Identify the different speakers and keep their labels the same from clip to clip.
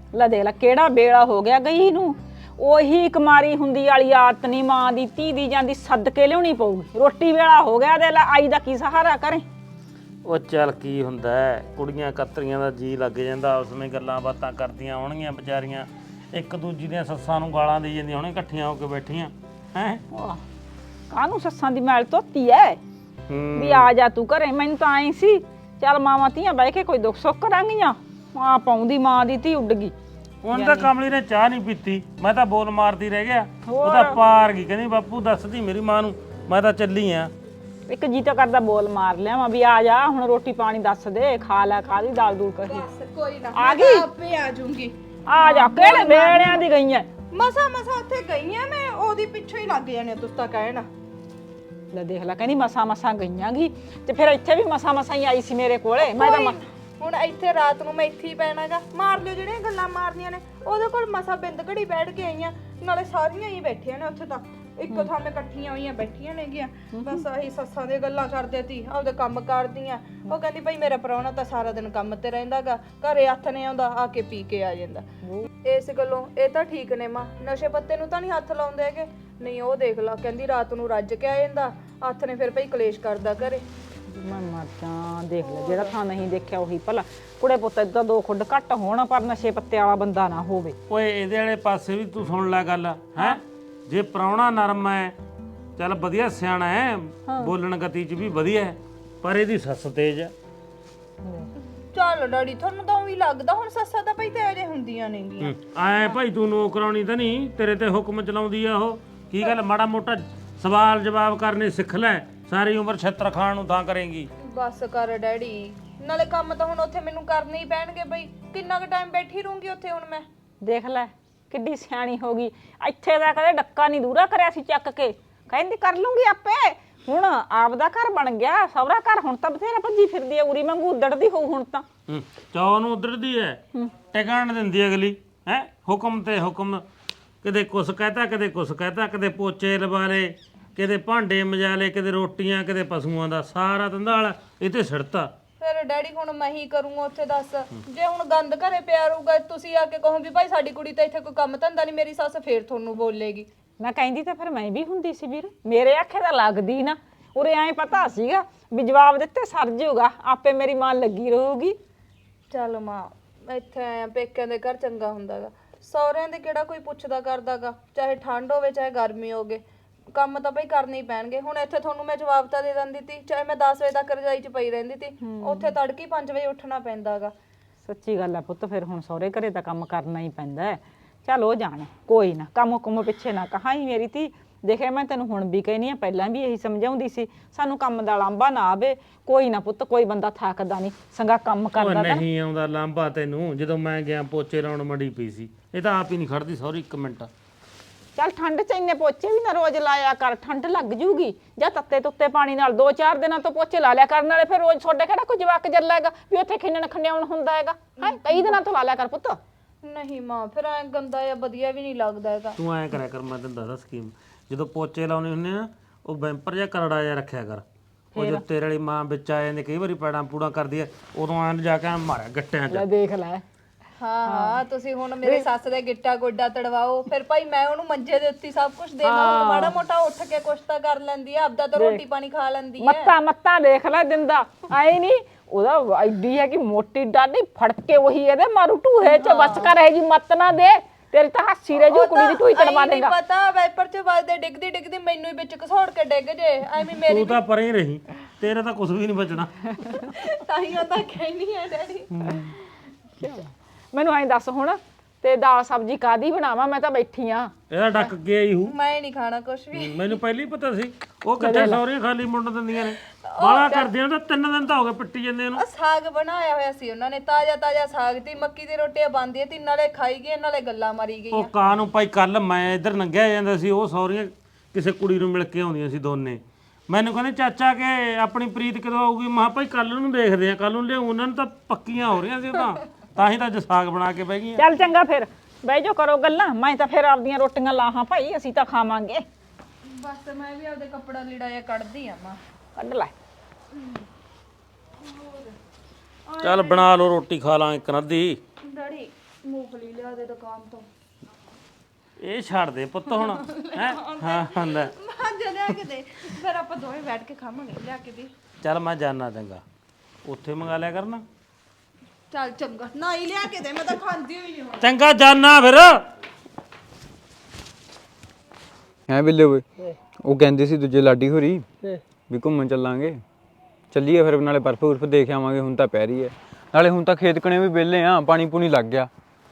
Speaker 1: ਲੈ ਦੇਖ ਲੈ ਕਿਹੜਾ ਵੇਲਾ ਹੋ ਗਿਆ ਗਈ ਨੂੰ। ਉਹੀ ਕੁਮਾਰੀ ਹੁੰਦੀ ਵਾਲੀ ਆਦਤ ਨਹੀਂ, ਮਾਂ ਦੀ ਧੀ ਦੀ ਜਾਂਦੀ ਸਦਕੇ ਲਿਆਉਣੀ ਪਊਗੀ। ਰੋਟੀ ਵੇਲਾ ਹੋ ਗਿਆ ਦੇ ਲੈ, ਆਈ ਦਾ ਕੀ ਸਹਾਰਾ ਕਰੇ।
Speaker 2: ਉਹ ਚੱਲ ਕੀ ਹੁੰਦਾ ਹੈ, ਕੁੜੀਆਂ ਕਤਰੀਆਂ ਦਾ ਜੀ ਲੱਗ ਜਾਂਦਾ, ਉਸ ਵਿੱਚ ਗੱਲਾਂ ਬਾਤਾਂ ਕਰਦੀਆਂ ਹੋਣਗੀਆਂ ਵਿਚਾਰੀਆਂ, ਇੱਕ ਦੂਜੀ ਦੀਆਂ ਸੱਸਾਂ ਨੂੰ ਗਾਲਾਂ ਦੇ ਜਾਂਦੀਆਂ ਹੋਣਗੀਆਂ ਇਕੱਠੀਆਂ ਹੋ ਕੇ ਬੈਠੀਆਂ ਹੈ।
Speaker 1: ਕਾਹਨੂੰ ਸੱਸਾਂ ਦੀ ਮੈਲ ਧੋਤੀ ਐ ਵੀ ਆ ਜਾ ਤੂੰ ਘਰੇ। ਮੈਨੂੰ ਤਾਂ ਆਈ ਸੀ ਚੱਲ ਮਾਵਾਂ ਧੀਆਂ ਬਹਿ ਕੇ ਕੋਈ ਦੁੱਖ ਸੁੱਖ ਕਰਾਂਗੀਆਂ। ਮਾਂ ਪਾਉਂਦੀ ਮਾਂ ਦੀ ਧੀ ਉੱਡ ਗਈ।
Speaker 2: ਹੁਣ ਤਾਂ ਕਮਲੀ ਨੇ ਚਾਹ ਨਹੀਂ ਪੀਤੀ, ਮੈਂ ਤਾਂ ਬੋਲ ਮਾਰਦੀ ਰਹਿ ਗਿਆ। ਉਹ ਤਾਂ ਪਾਰ ਗਈ, ਕਹਿੰਦੀ ਬਾਪੂ ਦੱਸਦੀ ਮੇਰੀ ਮਾਂ ਨੂੰ ਮੈਂ ਤਾਂ ਚੱਲੀ ਆ।
Speaker 1: ਇੱਕ ਜੀ ਤਾਂ ਕਰਦਾ ਬੋਲ ਮਾਰ ਲਿਆ ਵੀ ਆ ਜਾ ਹੁਣ ਰੋਟੀ ਪਾਣੀ ਦੱਸ ਦੇ, ਖਾ ਲੈ ਖਾ ਲਈ ਦਾਲ ਦੂਲ ਕਹੀ।
Speaker 3: ਕੋਈ ਨਾ
Speaker 1: ਆ ਗਈ
Speaker 3: ਆਪੇ ਆ ਜਾਊਂਗੀ।
Speaker 1: ਆ ਜਾ ਕਿਹੜੇ ਵੇਲਿਆਂ ਦੀ ਗਈ ਐ।
Speaker 3: ਮਸਾ ਉੱਥੇ ਗਈ ਆ ਮੈਂ, ਉਹਦੀ ਪਿੱਛੇ ਹੀ ਲੱਗ ਜਾਣੇ ਤੁਸੀਂ ਤਾਂ ਕਹਿਣਾ।
Speaker 1: ਲੈ ਦੇਖ ਲੈ ਕਹਿੰਦੀ ਮਸਾਂ ਗਈਆਂ ਗੀ ਤੇ ਫਿਰ ਇੱਥੇ ਵੀ ਮਸਾਂ ਹੀ ਆਈ ਸੀ ਮੇਰੇ ਕੋਲੇ। ਮੈਂ ਤਾਂ
Speaker 3: ਹੁਣ ਇੱਥੇ ਰਾਤ ਨੂੰ ਮੈਂ ਇੱਥੇ ਹੀ ਪੈਣਾਗਾ। ਮਾਰ ਲਿਓ ਜਿਹੜੀਆਂ ਗੱਲਾਂ ਮਾਰਨੀਆਂ ਨੇ। ਉਹਦੇ ਕੋਲ ਮਸਾ ਬਿੰਦ ਘੜੀ ਬੈਠ ਕੇ ਆਈਆਂ, ਨਾਲੇ ਸਾਰੀਆਂ ਹੀ ਬੈਠੀਆਂ ਨੇ ਉੱਥੇ। ਤਾਂ ਇੱਕੋ ਥਾਂ ਤੇ ਇਕੱਠੀਆਂ ਹੋਈਆਂ ਬੈਠੀਆਂ ਨੇਗੀਆਂ, ਬਸ ਆਹੀ ਸੱਸਾਂ ਦੀਆਂ ਗੱਲਾਂ ਕਰਦੇ ਤੀ, ਆਪਦੇ ਕੰਮ ਕਰਦੀਆਂ। ਉਹ ਕਹਿੰਦੀ ਭਾਈ ਮੇਰਾ ਪ੍ਰਾਹੁਣਾ ਤਾਂ ਸਾਰਾ ਦਿਨ ਕੰਮ ਤੇ ਰਹਿੰਦਾਗਾ, ਘਰੇ ਹੱਥ ਨੇ ਆਉਂਦਾ, ਆ ਕੇ ਪੀ ਕੇ ਆ ਜਾਂਦਾ। ਇਸ ਗੱਲੋਂ ਇਹ ਤਾਂ ਠੀਕ ਨੇ ਮਾਂ, ਨਸ਼ੇ ਪੱਤੇ ਨੂੰ ਤਾਂ ਨਹੀਂ ਹੱਥ ਲਾਉਂਦੇ ਹੈਗੇ। ਨਹੀਂ ਉਹ ਦੇਖ ਲਾ, ਕਹਿੰਦੀ ਰਾਤ ਨੂੰ ਰੱਜ ਕੇ ਆ ਜਾਂਦਾ, ਹੱਥ ਨੇ ਫਿਰ ਭਾਈ ਕਲੇਸ਼ ਕਰਦਾ ਘਰੇ।
Speaker 1: ਮੈਂ ਮਰ ਜਾ। ਦੇਖ ਲੈ ਜਿਹੜਾ ਥਾਂ ਨਹੀਂ ਦੇਖਿਆ ਉਹੀ ਭਲਾ। ਕੁੜੇ ਪੁੱਤ ਏਦਾਂ ਦੋ ਖੁੱਡ ਘੱਟ ਹੋਣ ਪਰ ਨਸ਼ੇ ਪੱਤੇ ਵਾਲਾ ਬੰਦਾ ਨਾ ਹੋਵੇ।
Speaker 2: ਓਏ ਇਹਦੇ ਵਾਲੇ ਪਾਸੇ ਵੀ ਤੂੰ ਸੁਣ ਲੈ ਗੱਲ ਹੈ। ਜੇ ਪ੍ਰਾਹੁਣਾ ਨਰਮ ਹੈ, ਚੱਲ ਵਧੀਆ ਸਿਆਣਾ ਹੈ, ਬੋਲਣ ਗਤੀ 'ਚ ਵੀ ਵਧੀਆ ਹੈ, ਪਰ ਇਹਦੀ ਸੱਸ ਤੇਜ਼ ਹੈ।
Speaker 3: ਚੱਲ ਡੈਡੀ ਤੁਹਾਨੂੰ ਤਾਂ ਵੀ ਲੱਗਦਾ ਹੁਣ ਸੱਸਾਂ ਤਾਂ ਭਾਈ ਤੇਰੇ ਹੁੰਦੀਆਂ ਨੇਗੀਆਂ।
Speaker 2: ਐ ਭਾਈ ਤੂੰ ਨੌਕਰਾਣੀ ਤਾਂ ਨਹੀਂ, ਤੇਰੇ ਤੇ ਹੁਕਮ ਚਲਾਉਂਦੀ ਆ ਉਹ। ਕੀ ਗੱਲ ਮਾੜਾ ਮੋਟਾ ਸਵਾਲ ਜਵਾਬ ਕਰਨੇ ਸਿੱਖ ਲੈ, ਸਾਰੀ ਉਮਰ ਛੱਤਰ ਖਾਣ ਨੂੰ ਤਾਂ ਕਰੇਂਗੀ।
Speaker 3: ਬਸ ਕਰ ਡੈਡੀ, ਨਾਲੇ ਕੰਮ ਤਾਂ ਹੁਣ ਉੱਥੇ ਮੈਨੂੰ ਕਰਨੇ ਹੀ ਪੈਣਗੇ ਬਈ। ਕਿੰਨਾ ਕੁ ਟਾਈਮ ਬੈਠੀ ਰਹੂੰਗੀ ਉੱਥੇ ਹੁਣ ਮੈਂ।
Speaker 1: ਦੇਖ ਲੈ ਕਿੱਡੀ ਸਿਆਣੀ ਹੋ ਗਈ। ਇੱਥੇ ਦਾ ਕਦੇ ਡੱਕਾ ਨਹੀਂ ਦੂਰਾ ਕਰਿਆ ਸੀ ਚੱਕ ਕੇ, ਕਹਿੰਦੀ ਕਰ ਲੂੰਗੀ ਆਪੇ। ਹੁਣ ਆਪਦਾ ਘਰ ਬਣ ਗਿਆ, ਸਹੁਰਾ ਘਰ ਹੁਣ ਤਾਂ ਬਥੇਰਾ ਭੱਜੀ ਫਿਰਦੀ ਐ, ਉਰੀ ਵਾਂਗੂ ਉੱਡੜਦੀ ਹੋਊ ਹੁਣ ਤਾਂ।
Speaker 2: ਚੌ ਨੂੰ ਉੱਧੜਦੀ ਐ, ਟਿਕਾਣ ਦਿੰਦੀ ਅਗਲੀ ਹੈ। ਹੁਕਮ ਤੇ ਹੁਕਮ, ਕਦੇ ਕੁਛ ਕਹਤਾ ਕਦੇ ਕੁਛ ਕਹਤਾ, ਕਦੇ ਪੋਚੇ ਲਵਾ ਲਏ, ਕਦੇ ਭਾਂਡੇ ਮਜਾ ਲਏ, ਕਦੇ ਰੋਟੀਆਂ, ਕਦੇ ਪਸ਼ੂਆਂ ਦਾ, ਸਾਰਾ ਧੰਦਾਲ ਇਹ ਤੇ ਸਿੜਤਾ।
Speaker 3: ਫਿਰ ਡੈਡੀ ਹੁਣ ਮੈਂ ਹੀ ਕਰੂੰਗਾ ਉੱਥੇ ਦੱਸ। ਜੇ ਹੁਣ ਗੰਦ ਘਰੇ ਪਿਆ ਰਹੂਗਾ, ਤੁਸੀਂ ਆ ਕੇ ਕਹੋ ਵੀ ਭਾਈ ਸਾਡੀ ਕੁੜੀ ਤਾਂ ਇੱਥੇ ਕੋਈ ਕੰਮ ਧੰਦਾ ਨਹੀਂ, ਮੇਰੀ ਸੱਸ ਫੇਰ ਤੁਹਾਨੂੰ ਬੋਲੇਗੀ।
Speaker 1: ਮੈਂ ਕਹਿੰਦੀ ਤਾਂ ਫਿਰ ਮੈਂ ਵੀ ਹੁੰਦੀ ਸੀ ਵੀਰ, ਮੇਰੇ ਆਖੇ ਤਾਂ ਲੱਗਦੀ ਨਾ। ਉਰੇ ਐਂ ਪਤਾ ਸੀਗਾ ਵੀ ਜਵਾਬ ਦਿੱਤੇ ਸਰ ਜਾਊਗਾ, ਆਪੇ ਮੇਰੀ ਮਾਂ ਲੱਗੀ ਰਹੂਗੀ।
Speaker 3: ਚੱਲ ਮਾਂ, ਇੱਥੇ ਆਇਆ ਪੇਕਿਆਂ ਦੇ ਘਰ ਚੰਗਾ ਹੁੰਦਾਗਾ, ਸਹੁਰਿਆਂ ਦੇ ਕਿਹੜਾ ਕੋਈ ਪੁੱਛਦਾ ਕਰਦਾਗਾ। ਚਾਹੇ ਠੰਡ ਹੋਵੇ ਚਾਹੇ ਗਰਮੀ ਹੋਵੇ, ਕੰਮ ਤਾਂ ਬਈ ਕਰਨੇ ਹੀ ਪੈਣਗੇ। ਹੁਣ ਇੱਥੇ ਤੁਹਾਨੂੰ ਮੈਂ ਜਵਾਬ ਤਾਂ ਦੇ ਦਿੰਦੀ ਤੀ, ਚਾਹੇ ਮੈਂ 10 ਵਜੇ ਤੱਕ ਰਜਾਈ 'ਚ ਪਈ ਰਹਿੰਦੀ ਤੀ, ਉੱਥੇ ਤੜਕੇ 5 ਵਜੇ ਉੱਠਣਾ ਪੈਂਦਾਗਾ।
Speaker 1: ਸੱਚੀ ਗੱਲ ਆ ਪੁੱਤ, ਫਿਰ ਹੁਣ ਸਹੁਰੇ ਘਰੇ ਤਾਂ ਕੰਮ ਕਰਨਾ ਹੀ ਪੈਂਦਾ ਹੈ। ਚੱਲ ਉਹ ਜਾਣ, ਕੋਈ ਨਾ ਕੰਮ ਕੁੰਮ ਪਿੱਛੇ ਨਾ ਕਹਾਂ ਹੀ ਮੇਰੀ ਧੀ। ਦੇਖਿਆ ਮੈਂ ਤੈਨੂੰ ਹੁਣ ਵੀ ਕਹਿਨੀ ਆ, ਪਹਿਲਾਂ ਵੀ ਇਹੀ ਸਮਝਾਉਂਦੀ ਸੀ, ਸਾਨੂੰ ਕੰਮ ਦਾ ਲਾਂਭਾ ਨਾ ਆਵੇ। ਕੋਈ ਨਾ ਪੁੱਤ, ਕੋਈ ਬੰਦਾ ਥੱਕਦਾ ਨਹੀਂ, ਸੰਗਾ ਕੰਮ ਕਰਦਾ।
Speaker 2: ਨਹੀਂ ਆਉਂਦਾ ਲਾਂਭਾ ਤੈਨੂੰ, ਜਦੋਂ ਮੈਂ ਗਿਆ ਪੋਚੇ ਲਾਉਣ ਮੜੀ ਪਈ ਸੀ, ਇਹ ਤਾਂ ਆਪ ਹੀ ਨਹੀਂ ਖੜਦੀ ਸੌਰੀ ਇੱਕ ਮਿੰਟ।
Speaker 1: ਚੱਲ ਠੰਡ 'ਚ ਇੰਨੇ ਪੋਚੇ ਵੀ ਨਾ ਰੋਜ਼ ਲਾਇਆ ਕਰ, ਠੰਡ ਲੱਗ ਜੂਗੀ। ਜਾਂ ਤੱਤੇ ਤੁੱਤੇ ਪਾਣੀ ਨਾਲ 2-4 ਦਿਨਾਂ ਤੋਂ ਪੋਚੇ ਲਾ ਲਿਆ ਕਰਨ ਵਾਲੇ, ਫਿਰ ਰੋਜ਼ ਤੁਹਾਡੇ ਕਿਹੜਾ ਕੋਈ ਜਵਾਕ ਜੱਲਾ ਹੈਗਾ ਵੀ ਉੱਥੇ ਖਿੰਨਣ ਖੰਡਿਆਉਣ ਹੁੰਦਾ ਹੈਗਾ ਹੈ। ਕਈ ਦਿਨਾਂ ਤੋਂ ਲਾ ਲਿਆ ਕਰ ਪੁੱਤ।
Speaker 3: ਨਹੀਂ ਮਾਂ, ਫਿਰ ਐ ਗੰਦਾ ਜਾਂ ਵਧੀਆ ਵੀ ਨਹੀਂ ਲੱਗਦਾ ਹੈਗਾ।
Speaker 2: ਤੂੰ ਐਂ ਕਰਿਆ ਕਰ, ਮੈਂ ਤੈਨੂੰ ਦੱਸਦਾ ਸਕੀਮ। ਜਦੋਂ ਪੋਚੇ ਲਾਉਣੇ ਹੁੰਦੇ ਆ, ਉਹ ਬੈਂਪਰ ਜਾਂ ਕਰੜਾ ਜਿਹਾ ਰੱਖਿਆ ਕਰ। ਉਹ ਜੋ ਤੇਰੇ ਵਾਲੀ ਮਾਂ ਵਿੱਚ ਆ ਜਾਂਦੀ, ਕਈ ਵਾਰੀ ਪੈੜਾਂ ਪੂੜਾਂ ਕਰਦੀ ਐ, ਉਦੋਂ ਐਂ ਜਾ ਕੇ ਮਾਰਿਆ ਗੱਟਿਆਂ 'ਚ।
Speaker 1: ਲੈ ਦੇਖ ਲੈ।
Speaker 3: ਹਾਂ ਤੁਸੀਂ ਹੁਣ ਮੇਰੇ ਸੱਸ ਦੇ ਗਿੱਟਾ ਗੋਡਾ ਤੜਵਾਓ, ਫਿਰ ਭਾਈ ਮੈਂ ਉਹਨੂੰ ਮੰਜੇ ਦੇ ਉੱਤੇ ਸਭ ਕੁਝ ਦੇਵਾਂ। ਹੁਣ ਮਾੜਾ ਮੋਟਾ ਉੱਠ ਕੇ ਕੁਛ ਤਾਂ ਕਰ ਲੈਂਦੀ ਆ, ਆਪਦਾ ਤਾਂ ਰੋਟੀ ਪਾਣੀ ਖਾ ਲੈਂਦੀ ਹੈ।
Speaker 1: ਮੱਤਾ ਦੇਖ ਲੈ ਦਿੰਦਾ ਆਏ ਨਹੀਂ। ਉਹਦਾ ਐਡੀ ਹੈ ਕਿ ਮੋਟੀ ਡਾਢੀ ਫੜ ਕੇ ਉਹੀ ਇਹਦੇ ਮਾਰੂ ਢੂਹੇ 'ਚ ਬਸ ਕਰ। ਇਹ ਜੀ ਮੱਤ ਨਾ ਦੇ, ਤੇਰੀ ਤਾਂ ਹਾਸੀ ਰਹਿ ਜੂ, ਕੁੜੀ ਦੀ ਢੂਈ ਤੜਵਾ ਦੇਗਾ।
Speaker 3: ਨਹੀਂ ਪਤਾ ਵਾਈਪਰ 'ਚ ਵੱਜਦੇ ਡਿੱਗਦੀ ਮਿੰਨੂੰ ਹੀ ਵਿੱਚ ਘਸੋੜ ਕੇ ਡਿੱਗ ਜੇ ਐਵੇਂ ਮੇਰੀ।
Speaker 2: ਤੂੰ ਤਾਂ ਪਰੇ ਹੀ ਰਹੀ, ਤੇਰੇ ਤਾਂ ਕੁਝ ਵੀ ਨਹੀਂ ਬਚਣਾ।
Speaker 3: ਤਾਂ ਹੀ ਉਹ ਤਾਂ ਕਹਿਣੀ ਹੈ ਡੈਡੀ।
Speaker 1: ਮੈਨੂੰ ਐਂ ਦੱਸ ਹੁਣ, ਤੇ ਦਾਲ ਸਬਜ਼ੀ ਕਾਦੀ ਬਣਾਵਾਂ? ਮੈਂ ਤਾਂ ਬੈਠੀ ਆ।
Speaker 2: ਇਹਦਾ ਡੱਕ ਕੇ ਆਈ ਹੂ।
Speaker 3: ਮੈਂ ਨਹੀਂ ਖਾਣਾ ਕੁਛ ਵੀ।
Speaker 2: ਮੈਨੂੰ ਪਹਿਲਾਂ ਹੀ ਪਤਾ ਸੀ ਉਹ ਕਿੱਥੇ ਸੌਰੀਆਂ ਖਾਲੀ ਮੁੰਡ ਦਿੰਦੀਆਂ ਨੇ, ਬਾਲਾ ਕਰਦੀਆਂ। ਤਾਂ 3 ਦਿਨ ਤਾਂ ਹੋ ਗਏ ਪਿੱਟੀ ਜਾਂਦੇ ਇਹਨੂੰ।
Speaker 3: ਸਾਗ ਬਣਾਇਆ ਹੋਇਆ ਸੀ ਉਹਨਾਂ ਨੇ, ਤਾਜ਼ਾ ਸਾਗ ਤੇ ਮੱਕੀ ਦੀ ਰੋਟੀਆਂ ਬਣਦੀਆਂ ਤੀ, ਨਾਲੇ ਖਾਈ ਗਏ ਨਾਲੇ ਗੱਲਾਂ ਮਾਰੀ ਗਈਆਂ।
Speaker 2: ਉਹ ਕਾਂ ਨੂੰ ਭਾਈ, ਕੱਲ ਮੈਂ ਇੱਧਰ ਲੰਘਿਆ ਜਾਂਦਾ ਸੀ, ਉਹ ਸੌਰੀਆਂ ਕਿਸੇ ਕੁੜੀ ਨੂੰ ਮਿਲ ਕੇ ਆਉਂਦੀਆਂ ਸੀ ਦੋਨੇ। ਮੈਨੂੰ ਕਹਿੰਦੇ ਚਾਚਾ ਕਿ ਆਪਣੀ ਪ੍ਰੀਤ ਕਦੋਂ ਆਊਗੀ? ਮੈਂ ਕਿਹਾ ਭਾਈ ਕੱਲ ਨੂੰ ਦੇਖਦੇ ਆ, ਕੱਲ ਨੂੰ ਲਿਆਉਂ। ਉਹਨਾਂ ਨੂੰ ਤਾਂ ਪੱਕੀਆਂ ਹੋ ਰਹੀਆਂ ਸੀ ਉਹ ਤਾਂ ਹੀ ਤਾਂ ਅੱਜ ਸਾਗ ਬਣਾ ਕੇ ਬਹਿ ਗਈਆਂ।
Speaker 1: ਚੱਲ ਚੰਗਾ, ਫਿਰ ਬਹਿ ਜਾਓ ਕਰੋ ਗੱਲਾਂ, ਮੈਂ ਤਾਂ ਫਿਰ ਆਪਦੀਆਂ ਰੋਟੀਆਂ ਲਾਹਾਂ ਭਾਈ, ਅਸੀਂ ਤਾਂ ਖਾਵਾਂਗੇ।
Speaker 3: ਬਸ ਮੈਂ ਵੀ ਆਪਦੇ ਕੱਪੜਾ ਲੀੜਾ ਜਿਹਾ ਕੱਢਦੀ ਆ ਮਾਂ।
Speaker 1: ਕੱਢ ਲੈ।
Speaker 2: ਚੱਲ ਬਣਾ ਲਓ ਰੋਟੀ, ਖਾ ਲਾਂ ਇੱਕ ਅੱਧੀ।
Speaker 3: ਡੈਡੀ ਮੂੰਗਫਲੀ ਲਿਆ ਦੇ ਦੁਕਾਨ ਤੋਂ।
Speaker 2: ਇਹ ਛੱਡ ਦੇ ਪੁੱਤ ਹੁਣ ਹੈ ਹਾਂ ਹੁੰਦਾ
Speaker 3: ਮਾਂਜਾ ਲਿਆ ਕੇ ਦੇ, ਫਿਰ ਆਪਾਂ ਦੋਵੇਂ ਬੈਠ ਕੇ ਖਾਵਾਂਗੇ। ਲਿਆ ਕੇ ਦੇ।
Speaker 2: ਚੱਲ ਮੈਂ ਜਾਣਾ ਚੰਗਾ, ਉੱਥੇ ਮੰਗਾ ਲਿਆ ਕਰਨਾ।
Speaker 3: ਚੱਲ ਚੰਗਾ, ਨਾ ਹੀ ਲਿਆ ਕੇ ਦੇ, ਮੈਂ ਤਾਂ ਖਾਂਦੀ ਹੋਈ ਨਹੀਂ ਹੁਣ।
Speaker 2: ਚੰਗਾ ਜਾਣਾ ਫਿਰ।
Speaker 4: ਹੈ ਬਿੱਲੇ ਓਏ, ਉਹ ਕਹਿੰਦੇ ਸੀ ਦੂਜੇ ਲਾਡੀ ਹੋਰੀ ਵੀ ਘੁੰਮਣ ਚੱਲਾਂਗੇ। ਚੱਲੀਏ ਫਿਰ, ਨਾਲੇ ਬਰਫ਼ ਬੁਰਫ ਦੇਖ ਆਵਾਂਗੇ। ਹੁਣ ਤਾਂ ਪੈ ਰਹੀ ਹੈ, ਨਾਲੇ ਹੁਣ ਤਾਂ ਖੇਤ ਕਣੇ ਵੀ ਵਿਹਲੇ ਆ, ਪਾਣੀ ਪੂਣੀ ਲੱਗ ਗਿਆ।